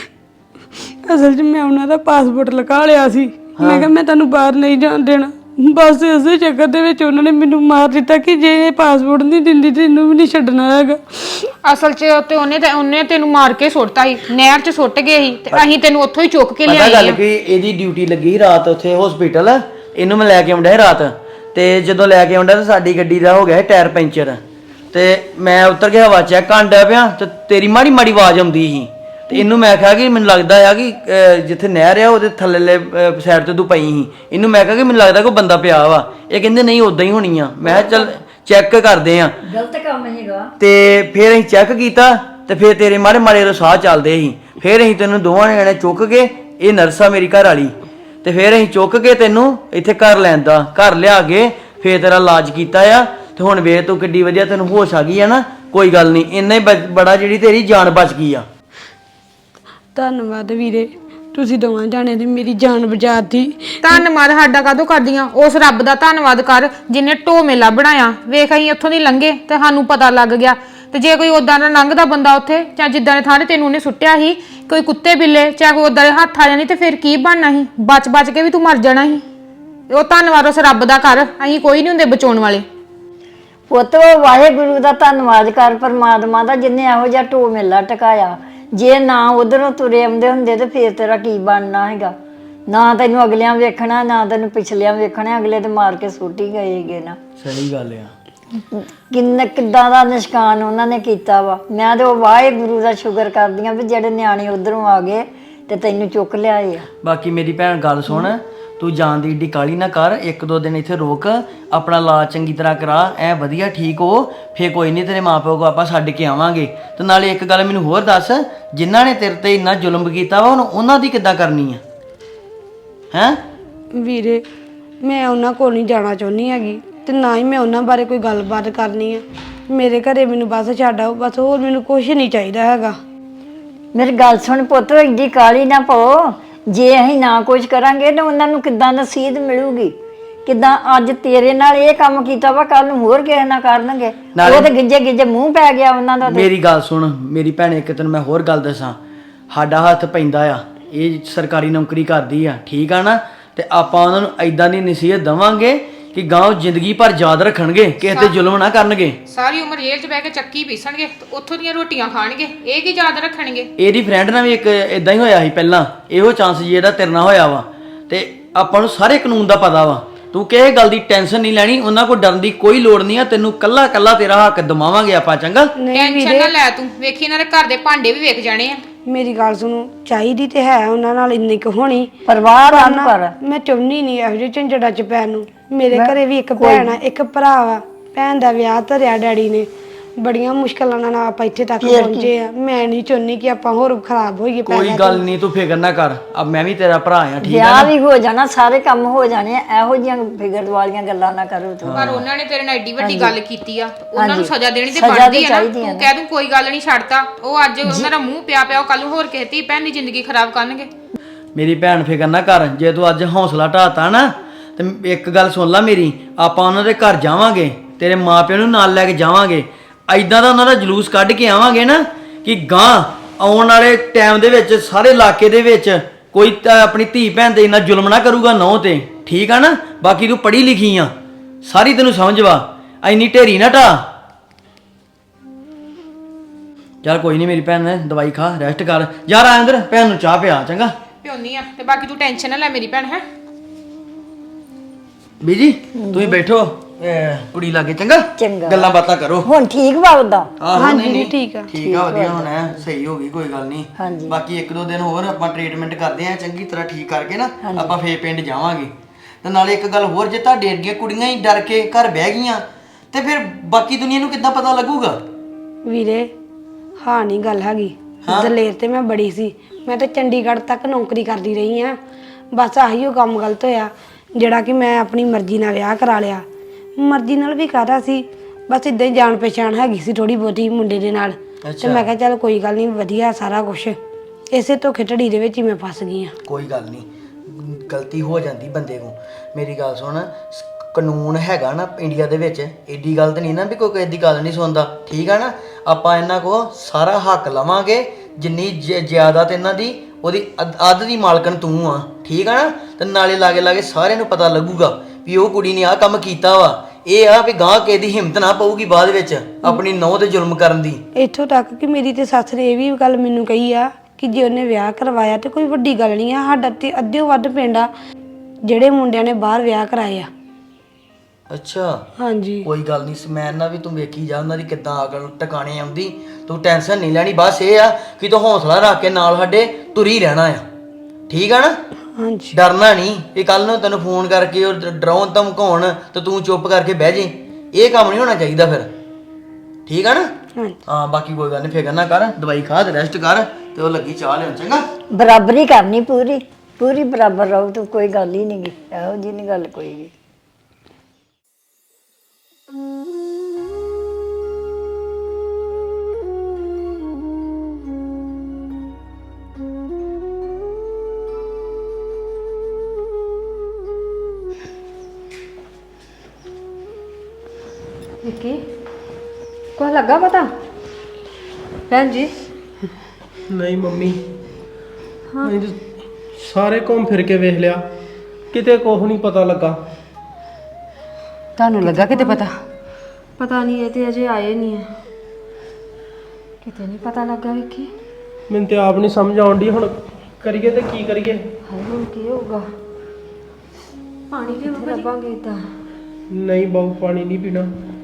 E: ਅਸਲ 'ਚ ਮੈਂ ਉਹਨਾਂ ਦਾ ਪਾਸਪੋਰਟ ਲਗਾ ਲਿਆ ਸੀ। ਮੈਂ ਕਿਹਾ ਮੈਂ ਤੁਹਾਨੂੰ ਬਾਹਰ ਨਹੀਂ ਜਾਣ ਦੇਣਾ, ਬਸ ਇਸੇ ਚੱਕਰ ਦੇ ਵਿੱਚ ਉਹਨਾਂ ਨੇ ਮੈਨੂੰ ਮਾਰ ਦਿੱਤਾ ਕਿ ਜੇ ਇਹ ਪਾਸਪੋਰਟ ਨਹੀਂ ਦਿੰਦੀ ਤੇ ਇਹਨੂੰ ਵੀ ਨਹੀਂ ਛੱਡਣਾ ਹੈਗਾ।
G: ਅਸਲ 'ਚ ਤੇ ਉਹਨੇ ਤੈਨੂੰ ਮਾਰ ਕੇ ਸੁੱਟਤਾ ਸੀ, ਨਹਿਰ 'ਚ ਸੁੱਟ ਗਏ ਸੀ ਤੇ ਅਸੀਂ ਤੈਨੂੰ ਉੱਥੋਂ ਹੀ ਚੁੱਕ ਕੇ
H: ਪਤਾ
G: ਲਿਆਏ
H: ਗੱਲ
G: ਆ।
H: ਕਿ ਇਹਦੀ ਡਿਊਟੀ ਲੱਗੀ ਸੀ ਰਾਤ ਉੱਥੇ ਹਸਪੀਟਲ, ਇਹਨੂੰ ਮੈਂ ਲੈ ਕੇ ਆਉਂਦਾ ਸੀ ਰਾਤ, ਤੇ ਜਦੋਂ ਲੈ ਕੇ ਆਉਂਦਾ ਤਾਂ ਸਾਡੀ ਗੱਡੀ ਦਾ ਹੋ ਗਿਆ ਸੀ ਟਾਇਰ ਪੈਂਚਰ, ਤੇ ਮੈਂ ਉਤਰ ਕੇ ਹਵਾ ਚੈੱਕ ਕਰਨ ਡਿਆ ਪਿਆ ਤੇ ਤੇਰੀ ਮਾੜੀ ਮਾੜੀ ਆਵਾਜ਼ ਆਉਂਦੀ ਸੀ, ਤੇ ਇਹਨੂੰ ਮੈਂ ਕਿਹਾ ਕਿ ਮੈਨੂੰ ਲੱਗਦਾ ਆ ਕਿ ਜਿੱਥੇ ਨਹਿਰ ਆ ਉਹਦੇ ਥੱਲੇਲੇ ਸਾਈਡ ਤੇ ਤੂੰ ਪਈ ਸੀ। ਇਹਨੂੰ ਮੈਂ ਕਿਹਾ ਕਿ ਮੈਨੂੰ ਲੱਗਦਾ ਕੋਈ ਬੰਦਾ ਪਿਆ ਵਾ। ਇਹ ਕਹਿੰਦੇ ਨਹੀਂ ਉਦਾਂ ਹੀ ਹੋਣੀ ਆ। ਮੈਂ ਕਿਹਾ ਚੱਲ ਚੈੱਕ ਕਰਦੇ ਆ।
F: ਗਲਤ ਕੰਮ ਹੈਗਾ।
H: ਤੇ ਫਿਰ ਅਸੀਂ ਚੈੱਕ ਕੀਤਾ ਤੇ ਫਿਰ ਤੇਰੇ ਮਾੜੇ ਮਾੜੇ ਸਾਹ ਚੱਲਦੇ ਸੀ। ਫਿਰ ਅਸੀਂ ਤੈਨੂੰ ਦੋਵਾਂ ਨੇ ਚੁੱਕ ਕੇ, ਇਹ ਨਰਸ ਆ ਮੇਰੀ ਘਰ ਵਾਲੀ, ਤੇ ਫਿਰ ਅਸੀਂ ਚੁੱਕ ਕੇ ਤੈਨੂੰ ਇੱਥੇ ਘਰ ਲੈਂਦਾ, ਘਰ ਲਿਆ ਕੇ ਫਿਰ ਤੇਰਾ ਇਲਾਜ ਕੀਤਾ ਆ। ਤੇ ਹੁਣ ਵੇ ਤੂੰ ਕਿੱਡੀ ਵਧੀਆ ਤੈਨੂੰ ਹੋਸ਼ ਆ ਗਈ ਆ ਨਾ। ਕੋਈ ਗੱਲ ਨਹੀਂ, ਇੰਨਾ ਹੀ ਬੜਾ ਜਿਹੜੀ ਤੇਰੀ ਜਾਨ ਬਚ ਗਈ ਆ।
E: ਧੰਨਵਾਦ ਵੀਰੇ, ਤੁਸੀਂ ਦੋਵਾਂ ਜਾਣੇ ਦੀ ਮੇਰੀ ਜਾਨ ਬਚਾਤੀ।
G: ਧੰਨਵਾਦ ਸਾਡਾ ਕਾਹਦੋਂ ਕਰਦੀਆਂ, ਉਸ ਰੱਬ ਦਾ ਧੰਨਵਾਦ ਕਰ ਜਿਨੇ ਢੋ ਮੇਲਾ ਬਣਾਇਆ। ਵੇਖ ਅਸੀਂ ਉੱਥੋਂ ਦੀ ਲੰਘੇ ਤੇ ਸਾਨੂੰ ਪਤਾ ਲੱਗ ਗਿਆ, ਤੇ ਜੇ ਕੋਈ ਉਦਾਂ ਦਾ ਲੰਘਦਾ ਬੰਦਾ ਉੱਥੇ, ਜਾਂ ਜਿੱਦਾਂ ਦੇ ਥਾਂ ਤੇ ਤੈਨੂੰ ਉਹਨੇ ਸੁੱਟਿਆ ਸੀ, ਕੋਈ ਕੁੱਤੇ ਬਿੱਲੇ ਚਾਹੇ ਕੋਈ ਉਦਾਂ ਦੇ ਹੱਥ ਆ ਜਾਣੀ, ਤੇ ਫਿਰ ਕੀ ਬਣਨਾ ਸੀ? ਬਚ ਕੇ ਵੀ ਤੂੰ ਮਰ ਜਾਣਾ ਸੀ। ਉਹ ਧੰਨਵਾਦ ਉਸ ਰੱਬ ਦਾ ਕਰ, ਅਸੀਂ ਕੋਈ ਨਹੀਂ ਹੁੰਦੇ ਬਚਾਉਣ ਵਾਲੇ।
F: ਪੁੱਤ ਵਾਹਿਗੁਰੂ ਦਾ ਧੰਨਵਾਦ ਕਰ, ਪਰਮਾਤਮਾ ਦਾ, ਜਿਨੇ ਇਹੋ ਜਿਹਾ ਢੋ ਮੇਲਾ ਟਕਾਇਆ। ਜੇ ਨਾ ਉਧਰੋਂ ਤੁਰੇ ਆਉਂਦੇ ਹੁੰਦੇ ਤੇ ਫੇਰ ਤੇਰਾ ਕੀ ਬਣਨਾ ਹੈਗਾ? ਨਾ ਤੈਨੂੰ ਅਗਲਿਆਂ ਵੇਖਣਾ, ਨਾ ਤੈਨੂੰ ਪਿਛਲਿਆਂ ਵੇਖਣਾ, ਅਗਲੇ ਤੇ ਮਾਰ ਕੇ ਸੁੱਟ ਹੀ ਗਏ ਹੈਗੇ ਨਾ।
H: ਸਹੀ ਗੱਲ ਆ।
F: ਕਿੱਦਾਂ ਦਾ ਨਿਸ਼ਕਾਨ ਉਹਨਾਂ ਨੇ ਕੀਤਾ ਵਾ। ਮੈਂ ਤੇ ਉਹ ਵਾਹਿਗੁਰੂ ਦਾ ਸ਼ੁਕਰ ਕਰਦੀ ਆ ਵੀ ਜਿਹੜੇ ਨਿਆਣੇ ਉਧਰੋਂ ਆ ਗਏ ਤੇ ਤੈਨੂੰ ਚੁੱਕ ਲਿਆਏ ਆ।
H: ਬਾਕੀ ਮੇਰੀ ਭੈਣ ਗੱਲ ਸੁਣ, ਤੂੰ ਜਾਣ ਦੀ ਏਡੀ ਕਾਹਲੀ ਨਾ ਕਰ, ਇੱਕ ਦੋ ਦਿਨ ਇੱਥੇ ਰੋਕ, ਆਪਣਾ ਇਲਾਜ ਚੰਗੀ ਤਰ੍ਹਾਂ ਕਰਾ, ਐ ਵਧੀਆ ਠੀਕ ਹੋ, ਫੇਰ ਕੋਈ ਨਹੀਂ ਤੇਰੇ ਮਾਪਿਓ ਕੋ ਆਪਾਂ ਛੱਡ ਕੇ ਆਵਾਂਗੇ। ਤੇ ਨਾਲੇ ਇੱਕ ਗੱਲ ਮੈਨੂੰ ਹੋਰ ਦੱਸ, ਜਿਨ੍ਹਾਂ ਨੇ ਤੇਰੇ ਤੇ ਇੰਨਾ ਜ਼ੁਲਮ ਕੀਤਾ ਵਾ ਉਹਨਾਂ ਦੀ ਕਿੱਦਾਂ ਕਰਨੀ ਆ ਹੈਂ?
E: ਵੀਰੇ ਮੈਂ ਉਹਨਾਂ ਕੋਲ ਨਹੀਂ ਜਾਣਾ ਚਾਹੁੰਦੀ ਹੈਗੀ, ਤੇ ਨਾ ਹੀ ਮੈਂ ਉਹਨਾਂ ਬਾਰੇ ਕੋਈ ਗੱਲਬਾਤ ਕਰਨੀ ਹੈ। ਮੇਰੇ ਘਰੇ ਮੈਨੂੰ ਬਸ ਛੱਡ ਆਓ, ਬਸ ਹੋਰ ਮੈਨੂੰ ਕੁਝ ਨਹੀਂ ਚਾਹੀਦਾ ਹੈਗਾ।
F: ਮੇਰੀ ਗੱਲ ਸੁਣ ਪੁੱਤ, ਏਡੀ ਕਾਹਲੀ ਨਾ ਪਾਓ। ਜੇ ਅਸੀਂ ਨਾ ਕੁਝ ਕਰਾਂਗੇ ਤਾਂ ਉਹਨਾਂ ਨੂੰ ਕਿੱਦਾਂ ਨਸੀਹਤ ਮਿਲੂਗੀ? ਕਿੱਦਾਂ ਅੱਜ ਤੇਰੇ ਨਾਲ ਇਹ ਕੰਮ ਕੀਤਾ ਵਾ, ਕੱਲ ਨੂੰ ਹੋਰ ਕਿਸੇ ਨਾਲ ਕਰਨਗੇ। ਉਹ ਤੇ ਗਿੱਜੇ ਮੂੰਹ ਪੈ ਗਿਆ ਉਹਨਾਂ ਦਾ।
H: ਮੇਰੀ ਗੱਲ ਸੁਣ ਮੇਰੀ ਭੈਣ, ਇੱਕ ਤੈਨੂੰ ਮੈਂ ਹੋਰ ਗੱਲ ਦੱਸਾਂ, ਸਾਡਾ ਹੱਥ ਪੈਂਦਾ ਆ, ਇਹ ਸਰਕਾਰੀ ਨੌਕਰੀ ਕਰਦੀ ਆ, ਠੀਕ ਆ ਨਾ, ਤੇ ਆਪਾਂ ਉਹਨਾਂ ਨੂੰ ਐਦਾਂ ਦੀ ਨਸੀਹਤ ਦੇਵਾਂਗੇ ਕਿ ਗਾਂਵ ਜ਼ਿੰਦਗੀ ਭਰ ਯਾਦ ਰੱਖਣਗੇ, ਕਿਸੇ ਤੇ ਜ਼ੁਲਮ ਨਾ ਕਰਨਗੇ।
G: ਸਾਰੀ ਉਮਰ ਜੇਲ੍ਹ 'ਚ ਬਹਿ ਕੇ ਚੱਕੀ ਪੀਸਣਗੇ, ਉੱਥੋਂ ਦੀਆਂ ਰੋਟੀਆਂ ਖਾਣਗੇ, ਇਹ ਕੀ ਯਾਦ ਰੱਖਣਗੇ?
H: ਇਹਦੀ ਫਰੈਂਡ ਨਾਲ ਵੀ ਇੱਕ ਇਦਾਂ ਹੀ ਹੋਇਆ ਸੀ ਪਹਿਲਾਂ, ਇਹੋ ਚਾਂਸ ਜੀ ਇਹਦਾ ਤੇਰੇ ਨਾਲ ਹੋਇਆ ਵਾ। ਤੇ ਆਪਾਂ ਨੂੰ ਸਾਰੇ ਕਾਨੂੰਨ ਦਾ ਪਤਾ ਵਾ, ਤੂੰ ਕਿਸੇ ਗੱਲ ਦੀ ਟੈਨਸ਼ਨ ਨਹੀਂ ਲੈਣੀ, ਉਹਨਾਂ ਕੋਲ ਡਰਨ ਦੀ ਕੋਈ ਲੋੜ ਨਹੀਂ ਆ। ਤੈਨੂੰ ਕੱਲਾ ਕੱਲਾ ਤੇਰਾ ਹੱਕ ਦਵਾਵਾਂਗੇ ਆਪਾਂ, ਚੰਗਾ?
G: ਟੈਨਸ਼ਨ ਨਾ ਲੈ ਤੂੰ, ਵੇਖੀ ਇਹਨਾਂ ਦੇ ਘਰ ਦੇ ਭਾਂਡੇ ਵੀ ਵੇਖ ਜਾਣੇ ਆ।
E: ਮੇਰੀ ਗੱਲ ਸੁਣੋ, ਚਾਹੀਦੀ ਤੇ ਹੈ ਉਹਨਾਂ ਨਾਲ ਇੰਨੀ ਕੁ ਹੋਣੀ,
F: ਪਰਵਾਹ ਨਾ ਕਰ।
E: ਮੈਂ ਚਾਹੁੰਦੀ ਨਹੀਂ ਇਹੋ ਜਿਹੇ ਝੰਜੜਾਂ 'ਚ ਪੈਣ ਨੂੰ। ਮੇਰੇ ਘਰੇ ਵੀ ਇੱਕ ਭੈਣ ਆ, ਇੱਕ ਭਰਾ ਵਾ। ਭੈਣ ਦਾ ਵਿਆਹ ਧਰਿਆ ਡੈਡੀ ਨੇ, ਬੜੀਆਂ ਮੁਸ਼ਕਲਾਂ ਨਾਲ ਆਪਾਂ ਇੱਥੇ ਤੱਕ ਪਹੁੰਚੇ ਆ। ਮੈਂ ਨਹੀਂ ਚਾਹੁੰਦੀ ਕਿ ਆਪਾਂ ਹੋਰ ਖਰਾਬ ਹੋਈਏ।
H: ਕੋਈ ਗੱਲ ਨਹੀਂ, ਤੂੰ ਫਿਕਰ ਨਾ ਕਰ, ਅਬ ਮੈਂ ਵੀ ਤੇਰਾ ਭਰਾ ਆ, ਠੀਕ ਆ
F: ਵਿਆਹ
H: ਨਾ?
F: ਵੀ ਹੋ ਜਾਣਾ, ਸਾਰੇ ਕੰਮ ਹੋ ਜਾਣੇ ਆ। ਇਹੋ ਜਿਹੀਆਂ ਫਿਕਰ ਵਾਲੀਆਂ ਗੱਲਾਂ ਨਾ ਕਰੋ ਤੂੰ।
G: ਪਰ ਉਹਨਾਂ ਨੇ ਤੇਰੇ ਨਾਲ ਐਡੀ ਵੱਡੀ ਗੱਲ ਕੀਤੀ ਆ, ਉਹਨਾਂ ਨੂੰ ਸਜ਼ਾ ਦੇਣੀ ਤੇ ਬਣਦੀ ਆ ਨਾ। ਤੂੰ ਕਹਿ ਦੂੰ ਕੋਈ ਗੱਲ ਨਹੀਂ, ਛੱਡਤਾ, ਉਹ ਅੱਜ ਉਹਨਾਂ ਦਾ ਮੂੰਹ ਪਿਆ ਉਹ ਕੱਲ ਨੂੰ ਹੋਰ ਕਿਸੇ ਧੀ ਭੈਣ ਦੀ ਜ਼ਿੰਦਗੀ ਖਰਾਬ ਕਰਨਗੇ।
H: ਮੇਰੀ ਭੈਣ ਫਿਕਰ ਨਾ ਕਰ, ਜੇ ਤੂੰ ਅੱਜ ਹੌਸਲਾ ਢਾਤਾ ਨਾ, ਤੇ ਇੱਕ ਗੱਲ ਸੁਣ ਲੈ ਮੇਰੀ, ਆਪਾਂ ਉਹਨਾਂ ਦੇ ਘਰ ਜਾਵਾਂਗੇ, ਤੇਰੇ ਮਾਪਿਆਂ ਨੂੰ ਨਾਲ ਲੈ ਕੇ ਜਾਵਾਂਗੇ, ਐਦਾਂ ਦਾ ਉਹਨਾਂ ਦਾ ਜਲੂਸ ਕੱਢ ਕੇ ਆਵਾਂਗੇ ਨਾ ਕਿ ਗਾਂ ਆਉਣ ਵਾਲੇ ਟਾਈਮ ਦੇ ਵਿੱਚ ਸਾਰੇ ਇਲਾਕੇ ਦੇ ਵਿੱਚ ਕੋਈ ਤਾਂ ਆਪਣੀ ਧੀ ਭੈਣ ਤੇ ਇੰਨਾ ਜ਼ੁਲਮ ਨਾ ਕਰੂਗਾ ਨਹੁੰ ਤੇ, ਠੀਕ ਆ ਨਾ? ਬਾਕੀ ਤੂੰ ਪੜ੍ਹੀ ਲਿਖੀ ਆ, ਸਾਰੀ ਤੈਨੂੰ ਸਮਝ ਵਾ, ਐਨੀ ਢੇਰੀ ਨਾ ਢਾ। ਚੱਲ ਕੋਈ ਨਹੀਂ ਮੇਰੀ ਭੈਣ ਨੇ ਦਵਾਈ ਖਾ, ਰੈਸਟ ਕਰ। ਯਾਰ ਆ ਅੰਦਰ, ਭੈਣ ਨੂੰ ਚਾਹ ਪਿਆ, ਚੰਗਾ?
G: ਪਿਉਣੀ ਆ, ਤੇ ਬਾਕੀ ਤੂੰ ਟੈਨਸ਼ਨ ਨਾ ਲੈ ਮੇਰੀ ਭੈਣ ਹੈ।
H: ਬੀਜੀ ਤੁਸੀਂ ਬੈਠੋ, ਕੁੜੀ ਲਾਗੇ ਚੰਗਾ
F: ਚੰਗਾ।
H: ਗੱਲਾਂ ਬਾਤਾਂ ਕਰੋ।
F: ਹੁਣ ਠੀਕ ਵਾ ਉਦਾਂ?
H: ਹਾਂਜੀ ਨਹੀਂ ਠੀਕ ਆ ਵਧੀਆ ਹੁਣ ਐ ਸਹੀ ਹੋ ਗਈ ਕੋਈ ਗੱਲ ਨਹੀਂ।
F: ਹਾਂਜੀ।
H: ਬਾਕੀ ਇੱਕ ਦੋ ਦਿਨ ਹੋਰ ਆਪਾਂ ਟ੍ਰੀਟਮੈਂਟ ਕਰਦੇ ਆ ਚੰਗੀ ਤਰ੍ਹਾਂ ਠੀਕ ਕਰਕੇ ਨਾ ਆਪਾਂ ਫੇਰ ਪਿੰਡ ਜਾਵਾਂਗੇ। ਤੇ ਨਾਲੇ ਇੱਕ ਗੱਲ ਹੋਰ, ਜੇ ਤੁਹਾਡੇ ਅੱਗੇ ਕੁੜੀਆਂ ਹੀ ਡਰ ਕੇ ਘਰ ਬਹਿ ਗਈਆਂ ਤੇ ਫਿਰ ਬਾਕੀ ਦੁਨੀਆ ਨੂੰ ਕਿੱਦਾਂ ਪਤਾ ਲੱਗੂਗਾ?
E: ਵੀਰੇ ਹਾਂ ਨਹੀਂ ਗੱਲ ਹੈਗੀ, ਦਲੇਰ ਤੇ ਮੈਂ ਬੜੀ ਸੀ। ਮੈਂ ਤਾਂ ਚੰਡੀਗੜ੍ਹ ਤੱਕ ਨੌਕਰੀ ਕਰਦੀ ਰਹੀ ਆ। ਬਸ ਆਹੀ ਉਹ ਕੰਮ ਗਲਤ ਹੋਇਆ ਜਿਹੜਾ ਕਿ ਮੈਂ ਆਪਣੀ ਮਰਜ਼ੀ ਨਾਲ ਵਿਆਹ ਕਰਾ ਲਿਆ। ਮਰਜ਼ੀ ਨਾਲ ਵੀ ਕਾਹਦਾ ਸੀ, ਬਸ ਇਦਾਂ ਹੀ ਜਾਣ ਪਛਾਣ ਹੈਗੀ ਸੀ ਥੋੜੀ ਬਹੁਤੀ ਮੁੰਡੇ ਦੇ ਨਾਲ। ਤੇ ਮੈਂ ਕਿਹਾ ਚੱਲ ਕੋਈ ਗੱਲ ਨਹੀਂ, ਵਧੀਆ ਸਾਰਾ ਕੁਝ। ਇਸੇ ਧੋਖੇ ਧੜੀ ਦੇ ਵਿੱਚ ਹੀ ਮੈਂ ਫਸ ਗਈ ਆ।
H: ਕੋਈ ਗੱਲ ਨਹੀਂ, ਗਲਤੀ ਹੋ ਜਾਂਦੀ ਬੰਦੇ ਕੋਲ। ਮੇਰੀ ਗੱਲ ਸੁਣ, ਕਾਨੂੰਨ ਹੈਗਾ ਨਾ ਇੰਡੀਆ ਦੇ ਵਿੱਚ, ਏਡੀ ਗੱਲ ਤਾਂ ਨਹੀਂ ਨਾ ਵੀ ਕੋਈ ਕਿਸੇ ਦੀ ਗੱਲ ਨਹੀਂ ਸੁਣਦਾ, ਠੀਕ ਆ ਨਾ? ਆਪਾਂ ਇਹਨਾਂ ਕੋ ਸਾਰਾ ਹੱਕ ਲਵਾਂਗੇ, ਜਿੰਨੀ ਜ਼ਿਆਦਾਤ ਇਹਨਾਂ ਦੀ ਉਹਦੀ ਅੱਧ ਦੀ ਮਾਲਕਣ ਤੂੰ ਆ, ਠੀਕ ਆ ਨਾ? ਤੇ ਨਾਲੇ ਲਾਗੇ ਲਾਗੇ ਸਾਰਿਆਂ ਨੂੰ ਪਤਾ ਲੱਗੂਗਾ ਵੀ ਉਹ ਕੁੜੀ ਨੇ ਆਹ ਕੰਮ ਕੀਤਾ ਵਾ। ਇਹ ਆ ਵੀ ਗਾਂ ਕਿਸੇ ਦੀ ਹਿੰਮਤ ਨਾ ਪਊਗੀ ਬਾਅਦ ਵਿੱਚ ਆਪਣੀ ਨਹੁੰ ਤੇ ਜ਼ੁਲਮ ਕਰਨ ਦੀ।
E: ਇੱਥੋਂ ਤੱਕ ਕਿ ਮੇਰੀ ਤੇ ਸੱਸ ਨੇ ਇਹ ਵੀ ਗੱਲ ਮੈਨੂੰ ਕਹੀ ਆ ਕਿ ਜੇ ਉਹਨੇ ਵਿਆਹ ਕਰਵਾਇਆ ਤੇ ਕੋਈ ਵੱਡੀ ਗੱਲ ਨਹੀਂ ਆ। ਸਾਡਾ ਤੇ ਅੱਧਿਓਂ ਵੱਧ ਪਿੰਡ ਆ ਜਿਹੜੇ ਮੁੰਡਿਆਂ ਨੇ ਬਾਹਰ ਵਿਆਹ ਕਰਾਏ ਆ।
H: ਅੱਛਾ
E: ਹਾਂਜੀ
H: ਕੋਈ ਗੱਲ ਨਹੀਂ, ਸਮੈਨ ਨਾਲ ਵੀ ਤੂੰ ਵੇਖੀ ਜਾ ਉਹਨਾਂ ਦੀ ਕਿੱਦਾਂ ਅਕਲ ਟਿਕਾਣੇ ਆਉਂਦੀ। ਤੂੰ ਟੈਨਸ਼ਨ ਨਹੀਂ ਲੈਣੀ, ਬਸ ਇਹ ਆ ਕਿ ਤੂੰ ਹੌਸਲਾ ਰੱਖ ਕੇ ਨਾਲ ਸਾਡੇ ਤੁਰੀ ਰਹਿਣਾ ਆ, ਠੀਕ ਆ ਨਾ?
E: ਹਾਂਜੀ
H: ਡਰਨਾ ਨਹੀਂ ਵੀ ਕੱਲ ਨੂੰ ਤੈਨੂੰ ਫੋਨ ਕਰਕੇ ਉਹ ਡਰਾਉਣ ਧਮਕਾਉਣ ਤੇ ਤੂੰ ਚੁੱਪ ਕਰਕੇ ਬਹਿ ਜੇ। ਇਹ ਕੰਮ ਨਹੀਂ ਹੋਣਾ ਚਾਹੀਦਾ ਫਿਰ, ਠੀਕ ਆ ਨਾ? ਹਾਂ ਬਾਕੀ ਕੋਈ ਗੱਲ ਨਹੀਂ, ਫਿਕਰ ਨਾ ਕਰ, ਦਵਾਈ ਖਾ ਤੇ ਰੈਸਟ ਕਰ ਤੇ ਉਹ ਲੱਗੀ ਚਾਹ ਲੈਣ, ਚੰਗਾ?
F: ਬਰਾਬਰੀ ਕਰਨੀ ਪੂਰੀ ਪੂਰੀ ਬਰਾਬਰ ਰਹੂ ਤੂੰ, ਕੋਈ ਗੱਲ ਹੀ ਨਹੀਂ ਗੀ ਇਹੋ ਜਿਹੀ ਨਹੀਂ ਗੱਲ ਕੋਈ ਵੀ।
D: ਵਿੱਕੀ ਕੁਛ ਲੱਗਾ ਪਤਾ? ਭੈਣ ਜੀ
I: ਨਹੀਂ ਮੰਮੀ, ਮੈਂ ਤਾਂ ਸਾਰੇ ਘੁੰਮ ਫਿਰ ਕੇ ਵੇਖ ਲਿਆ, ਕਿਤੇ ਕੁਛ ਨਹੀਂ ਪਤਾ ਲੱਗਾ।
C: ਤੁਹਾਨੂੰ ਲੱਗਾ ਕਿਤੇ ਪਤਾ?
D: ਪਤਾ ਨਹੀਂ, ਇਹ ਤੇ ਅਜੇ ਆਏ ਨਹੀਂ ਆ, ਕਿਤੇ ਨਹੀਂ ਪਤਾ ਲੱਗਾ ਵਿੱਕੀ।
I: ਮੈਨੂੰ ਤੇ ਆਪ ਨਹੀਂ ਸਮਝ ਆਉਣ ਡਈ, ਹੁਣ ਕਰੀਏ ਤੇ ਕੀ ਕਰੀਏ?
D: ਹਾਏ ਹੁਣ ਕੀ ਹੋਊਗਾ? ਪਾਣੀ ਕਿੱਥੇ ਲੱਭਾਂਗੇ ਇਦਾਂ?
I: ਨਹੀਂ ਬਾਬੂ ਪਾਣੀ ਨਹੀਂ ਪੀਣਾ।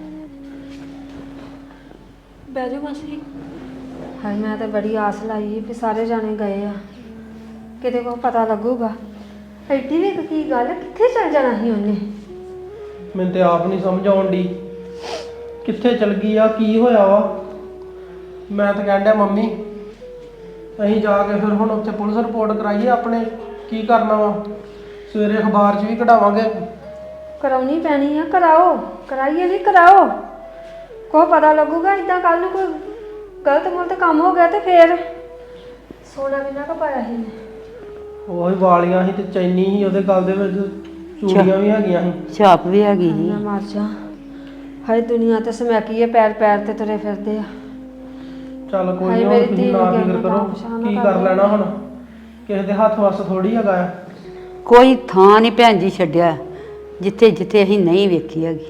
D: ਬਹਿ ਜਾਓ ਮਾਸੀ। ਹਾਏ ਮੈਂ ਤਾਂ ਬੜੀ ਆਸ ਲਾਈ ਵੀ ਸਾਰੇ ਜਾਣੇ ਗਏ ਆ, ਕਿਤੇ ਕੋ ਪਤਾ ਲੱਗੂਗਾ। ਐਡੀ ਵੀ ਕੀ ਗੱਲ, ਕਿੱਥੇ ਚਲ ਜਾਣਾ ਸੀ ਉਹਨੇ?
I: ਮੈਨੂੰ ਤੇ ਆਪ ਨਹੀਂ ਸਮਝ ਆਉਣ ਡਈ ਕਿੱਥੇ ਚਲ ਗਈ ਆ, ਕੀ ਹੋਇਆ ਵਾ। ਮੈਂ ਤਾਂ ਕਹਿਣ ਡਿਆ ਮੰਮੀ ਅਸੀਂ ਜਾ ਕੇ ਫਿਰ ਹੁਣ ਉੱਥੇ ਪੁਲਿਸ ਰਿਪੋਰਟ ਕਰਾਈਏ ਆਪਣੇ, ਕੀ ਕਰਨਾ ਵਾ, ਸਵੇਰੇ ਅਖਬਾਰ 'ਚ ਵੀ ਕਢਾਵਾਂਗੇ।
D: ਕਰਾਉਣੀ ਪੈਣੀ ਆ, ਕਰਾਓ, ਕਰਾਈਏ ਨਹੀਂ ਕਰਾਓ, ਕੋ ਪਤਾ ਲੱਗੂਗਾ। ਇਦਾਂ ਕੱਲ ਨੂੰ ਕੋਈ ਗਲਤ ਮੁਲਤ ਕੰਮ ਹੋ ਗਿਆ ਤੇ ਫੇਰ ਸੋਨਾ ਕਿੰਨਾ ਕੁ ਪਾਇਆ ਸੀ?
I: ਉਹੀ ਵਾਲੀਆਂ ਸੀ ਤੇ ਚੈਨੀ ਸੀ ਉਹਦੇ ਗਲ ਦੇ ਵਿੱਚ, ਚੂੜੀਆਂ ਵੀ ਹੈਗੀਆਂ ਸੀ,
C: ਛਾਪ ਵੀ ਹੈਗੀ ਸੀ।
D: ਮੈਂ ਮਰ ਜਾ। ਹਾਏ ਦੁਨੀਆ ਤੇ ਸਮੈਕੀ ਹੈ, ਪੈਰ ਪੈਰ ਤੇ ਤੁਰੇ ਫਿਰਦੇ ਆ।
I: ਚੱਲ ਕੋਈ
D: ਹਾਏ
I: ਨਹੀਂ,
D: ਮੇਰੀ
I: ਹੁਣ
D: ਧੀ
I: ਤੁਸੀਂ
D: ਨੂੰ
I: ਨਾ
D: ਕਿਹਾ
I: ਫਿਕਰ
D: ਮੈਂ
I: ਕਰੋ,
D: ਪਰੇਸ਼ਾਨ ਨਾ
I: ਕੀ
D: ਕਰ
I: ਕਰ
D: ਦਿਓ।
I: ਲੈਣਾ ਹੁਣ, ਕਿਸੇ ਦੇ ਹੱਥ ਵੱਸ ਥੋੜੀ ਹੈਗਾ ਆ।
J: ਕੋਈ ਥਾਂ ਨਹੀਂ ਭੈਣ ਜੀ ਛੱਡਿਆ ਜਿੱਥੇ ਜਿੱਥੇ ਅਸੀਂ ਨਹੀਂ ਵੇਖੀ ਹੈਗੀ।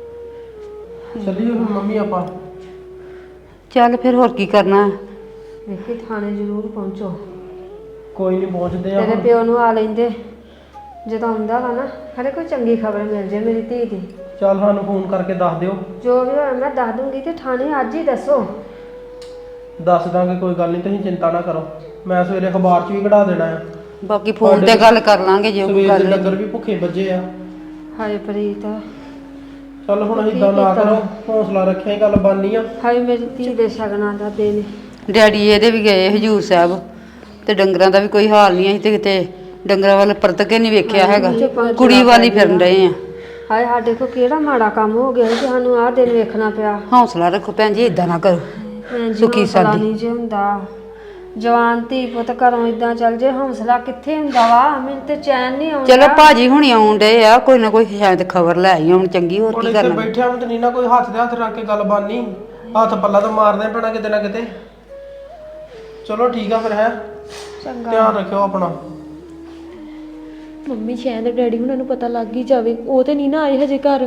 I: ਚੱਲੀਏ ਹੁਣ ਮੰਮੀ ਆਪਾਂ।
J: ਚੱਲ ਫਿਰ ਹੋਰ ਕੀ ਕਰਨਾ।
D: ਵੇਖੀ ਥਾਣੇ ਜ਼ਰੂਰ ਪਹੁੰਚੋ।
I: ਕੋਈ ਨਹੀਂ ਪਹੁੰਚਦੇ ਆ
D: ਤੇਰੇ
I: ਹੁਣ।
D: ਪਿਓ ਨੂੰ ਆ ਲੈਂਦੇ, ਜਦੋਂ ਆਉਂਦਾ ਵਾ ਨਾ ਖਰੇ ਕੋਈ ਚੰਗੀ ਖਬਰ ਮਿਲ ਜੇ ਮੇਰੀ ਧੀ ਦੀ।
I: ਚੱਲ ਸਾਨੂੰ ਫੋਨ ਕਰਕੇ ਦੱਸ ਦਿਓ।
D: ਜੋ ਵੀ ਹੋਇਆ ਮੈਂ ਦੱਸ ਦੂੰਗੀ, ਤੇ ਥਾਣੇ ਅੱਜ ਹੀ ਦੱਸੋ।
I: ਦੱਸ ਦਾਂਗੇ, ਕੋਈ ਗੱਲ ਨਹੀਂ, ਤੁਸੀਂ ਚਿੰਤਾ ਨਾ ਕਰੋ। ਮੈਂ ਸਵੇਰੇ ਅਖਬਾਰ 'ਚ ਵੀ ਕਢਾ ਦੇਣਾ ਆ।
J: ਬਾਕੀ ਫੋਨ ਤੇ ਗੱਲ ਕਰ ਲਾਂਗੇ ਜੇ ਕੋਈ
I: ਸਵੇਰ
J: ਗੱਲ
I: ਦੇ
J: ਹੈ।
I: ਡੰਗਰ ਵੀ ਭੁੱਖੇ ਵੱਜੇ ਆ।
D: ਹਾਏ ਪ੍ਰੀਤ,
I: ਚੱਲ ਹੁਣ ਅਸੀਂ ਇਦਾਂ ਨਾ ਕਰੋ, ਹੌਸਲਾ ਰੱਖਿਆ ਹੀ ਗੱਲ ਬਣਨੀ ਆ।
D: ਹਾਏ ਮੇਰੀ ਧੀ ਦੇ ਸ਼ਗਨਾਂ ਦਾ ਦਿਨ।
J: ਡੈਡੀ ਇਹਦੇ ਵੀ ਗਏ ਹਜੂਰ ਸਾਹਿਬ, ਤੇ ਡੰਗਰਾਂ ਦਾ ਵੀ ਕੋਈ ਹਾਲ ਨਹੀਂ, ਅਸੀਂ ਤੇ ਕਿਤੇ ਡੰਗਰਾਂ ਵੱਲ ਪਰਤ ਕੇ ਨਹੀਂ ਵੇਖਿਆ ਹੈਗਾ, ਕੁੜੀ ਵਾਲੀ ਫਿਰਨ ਰਹੇ ਆ।
D: ਹਾਏ ਸਾਡੇ ਕੋ ਕਿਹੜਾ ਮਾੜਾ ਕੰਮ ਹੋ ਗਿਆ ਕਿ ਸਾਨੂੰ ਆਹ ਦਿਨ ਵੇਖਣਾ ਪਿਆ।
J: ਹੌਸਲਾ ਰੱਖੋ ਭੈਣ ਜੀ, ਇਦਾਂ ਨਾ ਕਰੋ।
D: ਭੈਣ ਜੀ
J: ਸੁਖੀ
D: ਹੌਸਲਾ
J: ਸਾਦੀ।
D: ਨਹੀਂ ਜੇ ਹੁੰਦਾ, ਜਵਾਨ ਧੀ ਪੁੱਤ ਘਰੋਂ ਇਦਾਂ ਚੱਲ ਜੇ, ਹੌਸਲਾ ਕਿੱਥੇ ਹੁੰਦਾ ਵਾ? ਮੈਨੂੰ ਤੇ ਚੈਨ ਨਹੀਂ ਆਉਂਦਾ।
J: ਚਲੋ ਭਾਜੀ ਹੁਣੀ ਆਉਣ ਡਏ ਆ, ਕੋਈ ਨਾ ਕੋਈ ਸ਼ਾਇਦ ਖਬਰ ਲੈ ਆਈ ਹੁਣ ਚੰਗੀ, ਹੋਰ
I: ਹੁਣ
J: ਕੀ
I: ਇੱਥੇ
J: ਕਰਨਾ।
I: ਬੈਠਿਆ ਨੂੰ ਤੇ ਨਹੀਂ ਨਾ ਕੋਈ ਹੱਥ ਦੇ ਹੱਥ ਰੱਖ ਕੇ ਗੱਲ ਬਣਨੀ, ਹੱਥ ਪੱਲਾ ਤਾਂ ਮਾਰਨਾ ਹੀ ਪੈਣਾ ਕਿਤੇ ਨਾ ਕਿਤੇ। ਚਲੋ ਠੀਕ ਆ ਫਿਰ, ਹੈ
D: ਚੰਗਾ।
I: ਧਿਆਨ ਰੱਖਿਓ ਆਪਣਾ।
K: ਮੰਮੀ ਸ਼ਾਇਦ ਡੈਡੀ ਹੁਣਾਂ ਨੂੰ ਪਤਾ ਲੱਗ ਹੀ ਜਾਵੇ, ਉਹ ਤੇ ਨਹੀਂ ਨਾ ਆਏ ਹਜੇ ਘਰ।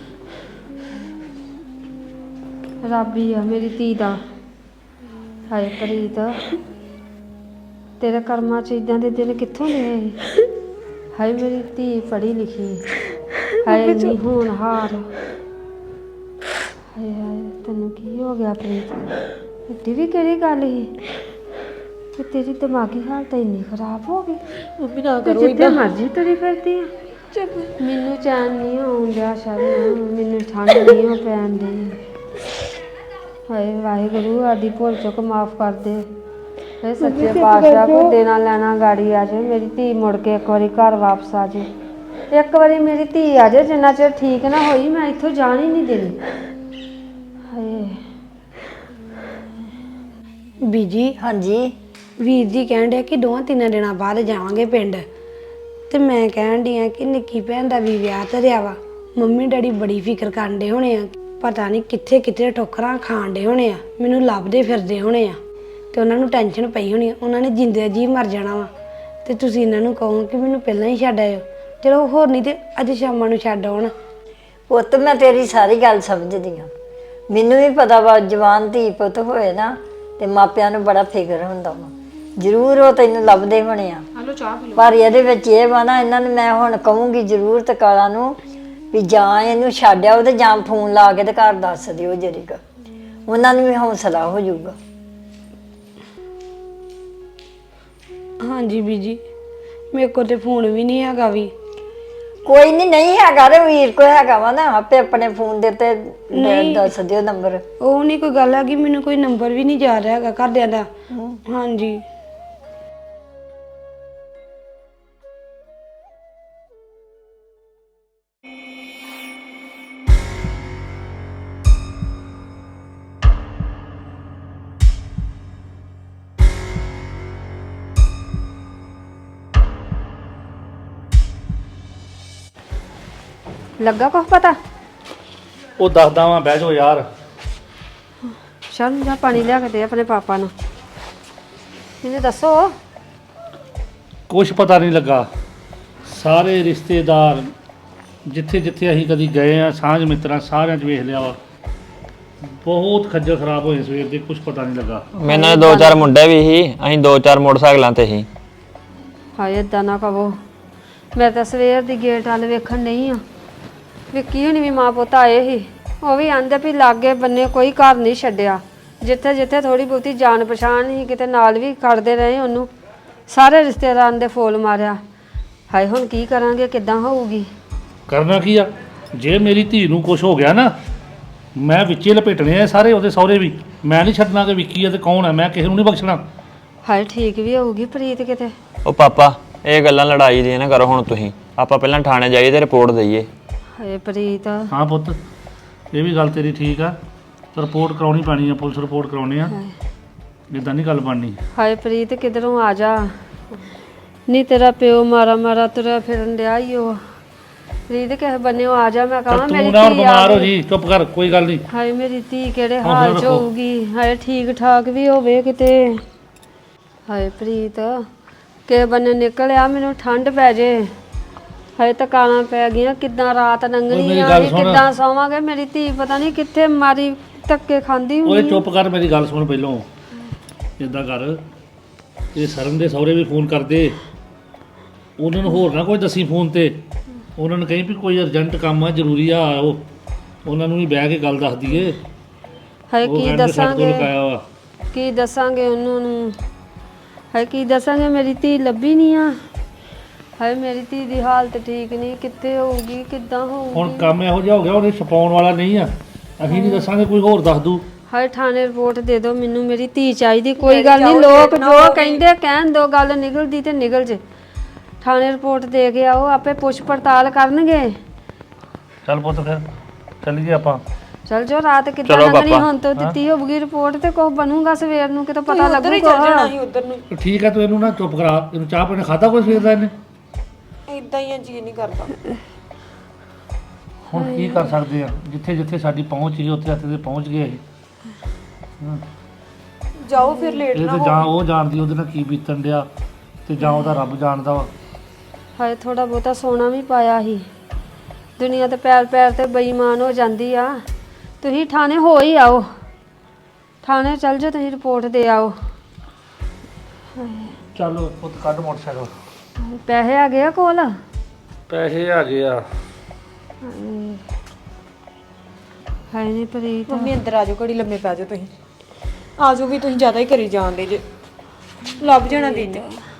D: ਰੱਬ ਹੀ ਆ ਮੇਰੀ ਧੀ ਦਾ। ਹਾਏ ਪ੍ਰੀਤ, ਤੇਰੇ ਕਰਮਾਂ 'ਚ ਇਦਾਂ ਦੇ ਦਿਨ ਕਿੱਥੋਂ ਲਏ? ਹਾਏ ਮੇਰੀ ਧੀ ਪੜ੍ਹੀ ਲਿਖੀ, ਹਾਏ ਨਹੀਂ ਹੁਣ ਹਾਰ ਹਾਏ ਹਾਏ ਤੈਨੂੰ ਕੀ ਹੋ ਗਿਆ ਪ੍ਰੀਤ ਇੱਡੀ ਵੀ ਕਿਹੜੀ ਗੱਲ ਸੀ ਕਿ ਤੇਰੀ ਦਿਮਾਗੀ ਹਾਲਤ ਇੰਨੀ ਖਰਾਬ ਹੋ ਗਈ
K: ਮੰਮੀ ਨਾ
D: ਤੇ
K: ਕਰੋ
D: ਜਿੱਥੇ
K: ਇਦਾਂ।
D: ਮਰਜ਼ੀ ਤੁਰੀ ਫਿਰਦੀ ਆ ਮੈਨੂੰ ਚੈਨ ਨਹੀਂ ਆਉਂਦਾ ਸ਼ਰਨ ਮੈਨੂੰ ਠੰਡ ਨਹੀਂ ਹੋ ਪੈਣ ਦੀ ਹਾਏ ਵਾਹਿਗੁਰੂ ਆਦੀ ਭੁੱਲ ਚੁੱਕ ਮਾਫ ਕਰ ਦੇ ਇਹ ਸੱਚੇ ਪਾਤਸ਼ਾਹ ਕੋਈ ਦੇਣਾ ਲੈਣਾ ਗਾੜੀ ਆ ਜੇ ਮੇਰੀ ਧੀ ਮੁੜ ਕੇ ਇੱਕ ਵਾਰੀ ਘਰ ਵਾਪਸ ਆ ਜੇ ਇੱਕ ਵਾਰੀ ਮੇਰੀ ਧੀ ਆ ਜੇ ਜਿੰਨਾ ਚਿਰ ਠੀਕ ਨਾ ਹੋਈ ਮੈਂ ਇੱਥੋਂ ਜਾਣ ਹੀ ਨਹੀਂ ਦੇਣੀ ਹਾਏ
E: ਬੀਜੀ
F: ਹਾਂਜੀ
E: ਵੀਰ ਜੀ ਕਹਿਣ ਡਿਆ ਕਿ 2-3 ਦਿਨਾਂ ਬਾਅਦ ਜਾਵਾਂਗੇ ਪਿੰਡ ਤੇ ਮੈਂ ਕਹਿਣ ਡਈ ਆ ਕਿ ਨਿੱਕੀ ਭੈਣ ਦਾ ਵੀ ਵਿਆਹ ਧਰਿਆ ਵਾ ਮੰਮੀ ਡੈਡੀ ਬੜੀ ਫਿਕਰ ਕਰਨ ਡੇ ਹੋਣੇ ਆ ਪਤਾ ਨਹੀਂ ਕਿੱਥੇ ਕਿੱਥੇ ਠੋਕਰਾਂ ਖਾਣ ਡੇ ਹੋਣੇ ਆ ਮੈਨੂੰ ਲੱਭਦੇ ਫਿਰਦੇ ਹੋਣੇ ਆ ਤੇ ਉਹਨਾਂ ਨੂੰ ਟੈਨਸ਼ਨ ਪਈ ਹੋਣੀ ਆ ਉਹਨਾਂ ਨੇ ਜਿੰਦੇ ਜੀ ਮਰ ਜਾਣਾ ਵਾ ਤੇ ਤੁਸੀਂ ਇਹਨਾਂ ਨੂੰ ਕਹੋ ਕਿ ਮੈਨੂੰ ਪਹਿਲਾਂ ਹੀ ਛੱਡ ਆਇਓ ਚਲੋ ਹੋਰ ਨਹੀਂ ਤੇ ਅੱਜ ਸ਼ਾਮਾਂ ਨੂੰ ਛੱਡ ਆਉਣ
F: ਪੁੱਤ ਮੈਂ ਤੇਰੀ ਸਾਰੀ ਗੱਲ ਸਮਝਦੀ ਹਾਂ ਮੈਨੂੰ ਵੀ ਪਤਾ ਵਾ ਜਵਾਨ ਧੀ ਪੁੱਤ ਹੋਏ ਨਾ ਤੇ ਮਾਪਿਆਂ ਨੂੰ ਬੜਾ ਫਿਕਰ ਹੁੰਦਾ ਵਾ ਜ਼ਰੂਰ ਉਹ ਤੈਨੂੰ ਲੱਭਦੇ ਹੋਣੇ ਆ ਪਰ ਇਹਦੇ ਵਿੱਚ ਇਹ ਵਾ ਨਾ ਇਹਨਾਂ ਨੂੰ ਮੈਂ ਹੁਣ ਕਹੂੰਗੀ ਜ਼ਰੂਰ ਤਕਾਲਾ ਨੂੰ ਵੀ ਜਾਂ ਇਹਨੂੰ ਛੱਡ ਆਓ ਤੇ ਜਾਂ ਫੋਨ ਲਾ ਕੇ ਤੇ ਘਰ ਦੱਸ ਦਿਓ ਜਰੀਗਾ ਉਹਨਾਂ ਨੂੰ ਵੀ ਹੌਸਲਾ ਹੋ ਜਾਊਗਾ
E: ਹਾਂਜੀ ਬੀਜੀ ਮੇਰੇ ਕੋਲ ਤੇ ਫੋਨ ਵੀ ਨਹੀਂ ਹੈਗਾ ਵੀ
F: ਕੋਈ ਨਹੀਂ ਹੈਗਾ ਰੇ ਵੀਰ ਕੋ ਹੈਗਾ ਵਾ ਨਾ ਆਪੇ ਆਪਣੇ ਫੋਨ ਦੇ ਤੇ ਦੱਸ ਦਿਓ ਨੰਬਰ
E: ਉਹ ਨਹੀਂ ਕੋਈ ਗੱਲ ਹੈਗੀ ਮੈਨੂੰ ਕੋਈ ਨੰਬਰ ਵੀ ਨਹੀਂ ਜਾ ਰਿਹਾ ਹੈਗਾ ਘਰਦਿਆਂ ਦਾ ਹਾਂਜੀ
D: ਲੱਗਾ ਕੁਛ ਪਤਾ
I: ਉਹ ਦੱਸਦਾ ਵਾਂ ਬਹਿ ਜਾਓ ਯਾਰ
D: ਸ਼ਰਨ ਜਾ ਪਾਣੀ ਲਿਆ ਕੇ ਦੇ ਆਪਣੇ ਪਾਪਾ ਨੂੰ ਮੈਨੂੰ ਦੱਸੋ
L: ਕੁਛ ਪਤਾ ਨਹੀਂ ਲੱਗਾ ਸਾਰੇ ਰਿਸ਼ਤੇਦਾਰ ਜਿੱਥੇ ਜਿੱਥੇ ਅਸੀਂ ਕਦੀ ਗਏ ਆ ਸਾਂਝ ਮਿੱਤਰਾਂ ਸਾਰਿਆਂ 'ਚ ਵੇਖ ਲਿਆ ਵਾ ਬਹੁਤ ਖੱਜਲ ਖਰਾਬ ਹੋਏ ਸਵੇਰ ਦੇ ਕੁਛ ਪਤਾ ਨਹੀਂ ਲੱਗਾ
M: ਮੈਨਾਂ ਦੋ ਚਾਰ ਮੁੰਡੇ ਵੀ ਸੀ ਅਸੀਂ 2-4 ਮੋਟਰਸਾਈਕਲਾਂ ਤੇ ਸੀ
D: ਹਾਏ ਏਦਾਂ ਨਾ ਕਹੋ ਮੈਂ ਤਾਂ ਸਵੇਰ ਦੀ ਗੇਟ ਵੱਲ ਵੇਖਣ ਨਹੀਂ ਆ ਵਿੱਕੀ ਹੁਣੀ ਵੀ ਮਾਂ ਪੁੱਤ ਆਏ ਸੀ ਉਹ ਵੀ ਆਂਦੇ ਵੀ ਲਾਗੇ ਬੰਨੇ ਕੋਈ ਘਰ ਨਹੀਂ ਛੱਡਿਆ ਜਿੱਥੇ ਜਿੱਥੇ ਥੋੜੀ ਬਹੁਤੀ ਜਾਣ ਪਛਾਣ ਸੀ ਕਿਤੇ ਨਾਲ ਵੀ ਖੜਦੇ ਰਹੇ ਉਹਨੂੰ ਸਾਰੇ ਰਿਸ਼ਤੇਦਾਰਾਂ ਦੇ ਫੋਲ ਮਾਰਿਆ ਹਾਏ ਹੁਣ ਕੀ ਕਰਾਂਗੇ ਕਿੱਦਾਂ ਹੋਊਗੀ
L: ਕਰਨਾ ਕੀ ਆ ਜੇ ਮੇਰੀ ਧੀ ਨੂੰ ਕੁਛ ਹੋ ਗਿਆ ਨਾ ਮੈਂ ਵਿੱਚੇ ਲਪੇਟਣੇ ਆ ਸਾਰੇ ਉਹਦੇ ਸਹੁਰੇ ਵੀ ਮੈਂ ਨਹੀਂ ਛੱਡਣਾ ਕਿ ਵਿੱਕੀ ਆ ਤੇ ਕੌਣ ਆ ਮੈਂ ਕਿਸੇ ਨੂੰ ਨਹੀਂ ਬਖਸ਼ਣਾ
D: ਹਾਏ ਠੀਕ ਵੀ ਹੋਊਗੀ ਪ੍ਰੀਤ ਕਿਤੇ
M: ਉਹ ਪਾਪਾ ਇਹ ਗੱਲਾਂ ਲੜਾਈ ਦੀਆਂ ਨਾ ਕਰੋ ਹੁਣ ਤੁਸੀਂ ਆਪਾਂ ਪਹਿਲਾਂ ਥਾਣੇ ਜਾਈਏ ਤੇ ਰਿਪੋਰਟ ਦਈਏ
D: ਹਾਏ ਪ੍ਰੀਤ
L: ਹਾਂ ਪੁੱਤ ਇਹ ਵੀ ਗੱਲ ਤੇਰੀ ਠੀਕ ਆ ਰਿਪੋਰਟ ਕਰਾਉਣੀ ਪੈਣੀ ਆ ਪੁਲਿਸ ਰਿਪੋਰਟ ਕਰਾਉਣੀ ਆ ਇਦਾਂ ਨਹੀਂ ਗੱਲ ਬਣਨੀ
D: ਹਾਏ ਪ੍ਰੀਤ ਕਿਧਰੋਂ ਆ ਜਾ ਨਹੀਂ ਤੇਰਾ ਪਿਓ ਮਾਰਾ ਮਾਰਾ ਤੁਰਿਆ ਫਿਰਨ ਡਿਆ ਈ ਉਹ ਪ੍ਰੀਤ ਕਿਸੇ ਬੰਨਿਓ ਆ ਜਾ ਮੈਂ ਕਹਾਂ ਮੇਰੀ
L: ਤੂੰ ਨਾ
D: ਧੀ
L: ਬਿਮਾਰ ਹੋ ਜੀ ਚੁੱਪ ਕਰ ਕੋਈ ਗੱਲ ਨਹੀਂ
D: ਹਾਏ ਮੇਰੀ ਧੀ ਕਿਹੜੇ ਹਾਲ ਚ ਹੋਊਗੀ ਹਾਏ ਠੀਕ ਠਾਕ ਵੀ ਹੋਵੇ ਕਿਤੇ ਹਾਏ ਪ੍ਰੀਤ ਕਿਸੇ ਬੰਨੇ ਨਿਕਲਿਆ ਮੈਨੂੰ ਠੰਡ ਪੈ ਜੇ ਹਾਏ ਤਕਾਲਾਂ ਪੈ ਗਈਆਂ ਕਿੱਦਾਂ ਰਾਤ ਲੰਘਣੀ ਆ ਕਿੱਦਾਂ ਸੌਵਾਂਗੇ ਮੇਰੀ ਧੀ ਪਤਾ ਨਹੀਂ ਕਿੱਥੇ ਮਾਰੀ ਧੱਕੇ ਖਾਂਦੀ
L: ਓਏ
D: ਹੁੰਦੀ
L: ਚੁੱਪ ਕਰ ਮੇਰੀ ਗੱਲ ਸੁਣ ਪਹਿਲੋਂ ਇਦਾਂ ਕਰ ਇਹ ਸਰਨ ਦੇ ਸਹੁਰੇ ਵੀ ਫੋਨ ਕਰਦੇ ਉਹਨਾਂ ਨੂੰ ਹੋਰ ਨਾ ਕੋਈ ਦੱਸੀ ਫੋਨ ਤੇ ਉਹਨਾਂ ਨੂੰ ਕਹੀ ਵੀ ਕੋਈ ਅਰਜੈਂਟ ਕੰਮ ਆ ਜ਼ਰੂਰੀ ਆ ਆਓ ਉਹਨਾਂ ਨੂੰ ਵੀ ਬਹਿ ਕੇ ਗੱਲ ਦੱਸ ਦਈਏ
D: ਹਾਏ
L: ਉਹ
D: ਕੀ
L: ਕਹਿੰਦੇ ਸਾਡੇ ਕੋਲ
D: ਦੱਸਾਂਗੇ
L: ਲਗਾਇਆ ਵਾ
D: ਕੀ ਦੱਸਾਂਗੇ ਉਹਨਾਂ ਨੂੰ ਹਾਏ ਕੀ ਦੱਸਾਂਗੇ ਮੇਰੀ ਧੀ ਲੱਭੀ ਨਹੀਂ ਆ ਹਾਏ ਮੇਰੀ ਧੀ ਦੀ ਹਾਲਤ ਠੀਕ ਨਹੀਂ ਕਿੱਥੇ ਹੋਊਗੀ ਕਿੱਦਾਂ ਹੋਊਗੀ
L: ਹੁਣ ਕੰਮ ਇਹੋ ਜਿਹਾ ਹੋ ਗਿਆ ਉਹਨੇ ਛਪਾਉਣ ਵਾਲਾ ਨਹੀਂ ਆ ਅਸੀਂ ਨਹੀਂ ਦੱਸਾਂਗੇ ਕੋਈ ਹੋਰ ਦੱਸ ਦੂ
D: ਹਾਏ ਥਾਣੇ ਰਿਪੋਰਟ ਦੇ ਦਿਓ ਮੈਨੂੰ ਮੇਰੀ ਧੀ ਚਾਹੀਦੀ ਕੋਈ ਗੱਲ ਨਹੀਂ ਲੋਕ ਜੋ ਕਹਿੰਦੇ ਕਹਿਣ ਦੋ ਗੱਲ ਨਿਕਲਦੀ ਤੇ ਨਿਕਲ ਜੇ ਥਾਣੇ ਰਿਪੋਰਟ ਦੇ ਕੇ ਆਓ ਆਪੇ ਪੁੱਛ ਪੜਤਾਲ ਕਰਨਗੇ
L: ਚੱਲ ਪੁੱਤ ਫਿਰ ਚੱਲੀਏ ਆਪਾਂ
D: ਚਲ ਜੋ ਰਾਤ ਕਿੱਦਾਂ ਲੰਘਣੀ ਹੁਣ ਤੋਂ ਦਿੱਤੀ ਹੋਊਗੀ ਰਿਪੋਰਟ ਤੇ ਕੁਝ ਬਣੂਗਾ ਸਵੇਰ ਨੂੰ ਕਿਤੇ ਪਤਾ ਲੱਗੂਗਾ
L: ਠੀਕ ਆ ਤੂੰ ਇਹਨੂੰ ਨਾ ਚੁੱਪ ਕਰਾ ਇਹਨੂੰ ਚਾਹ ਪਾਣੀ ਖਾਦਾ ਕੋਈ ਸਵੇਰ ਦਾ ਇਹਨੇ
K: ਇਦਾਂ ਹੀ ਜੀ ਨਹੀਂ ਕਰਦਾ
L: ਹੁਣ ਕੀ ਕਰ ਸਕਦੇ ਆ ਜਿੱਥੇ ਜਿੱਥੇ ਸਾਡੀ ਪਹੁੰਚ ਸੀ ਉੱਥੇ ਉੱਥੇ ਤੇ ਪਹੁੰਚ ਗਏ ਅਸੀਂ
K: ਜਾਓ ਫਿਰ ਲੇਟ
L: ਇਹ ਤੇ ਜਾਂ ਉਹ ਜਾਣਦੀ ਉਹਦੇ ਨਾਲ ਕੀ ਬੀਤਣ ਡਿਆ ਤੇ ਜਾਂ ਉਹਦਾ ਰੱਬ ਜਾਣਦਾ ਵਾ
D: ਹਾਏ ਥੋੜਾ ਬਹੁਤਾ ਸੋਨਾ ਵੀ ਪਾਇਆ ਸੀ ਦੁਨੀਆ ਤੇ ਪੈਰ ਪੈਰ ਤੇ ਬੇਈਮਾਨ ਹੋ ਜਾਂਦੀ ਆ ਤੁਸੀਂ ਥਾਣੇ ਹੋ ਹੀ ਆਓ ਥਾਣੇ ਚੱਲ ਜਾਓ ਤੁਸੀਂ ਰਿਪੋਰਟ ਦੇ ਆਓ
L: ਚੱਲ ਪੁੱਤ ਕੱਢ ਮੋਟਰਸਾਈਕਲ
D: ਪੈਸੇ ਆ ਗਏ ਆ ਕੋਲ
L: ਪੈਸੇ ਆ ਗਏ ਆ
D: ਹਾਏ ਨਹੀਂ ਪ੍ਰੀਤ
K: ਮੰਮੀ ਅੰਦਰ ਆ ਜਾਓ, ਘੜੀ ਲੰਮੇ ਪੈ ਜਾਓ ਤੁਸੀਂ। ਆ ਜਾਓ ਵੀ ਤੁਸੀਂ ਜ਼ਿਆਦਾ ਹੀ ਕਰੀ ਜਾਂਦੇ ਜੇ, ਲੱਭ ਜਾਣਾ ਦੀਦੀ।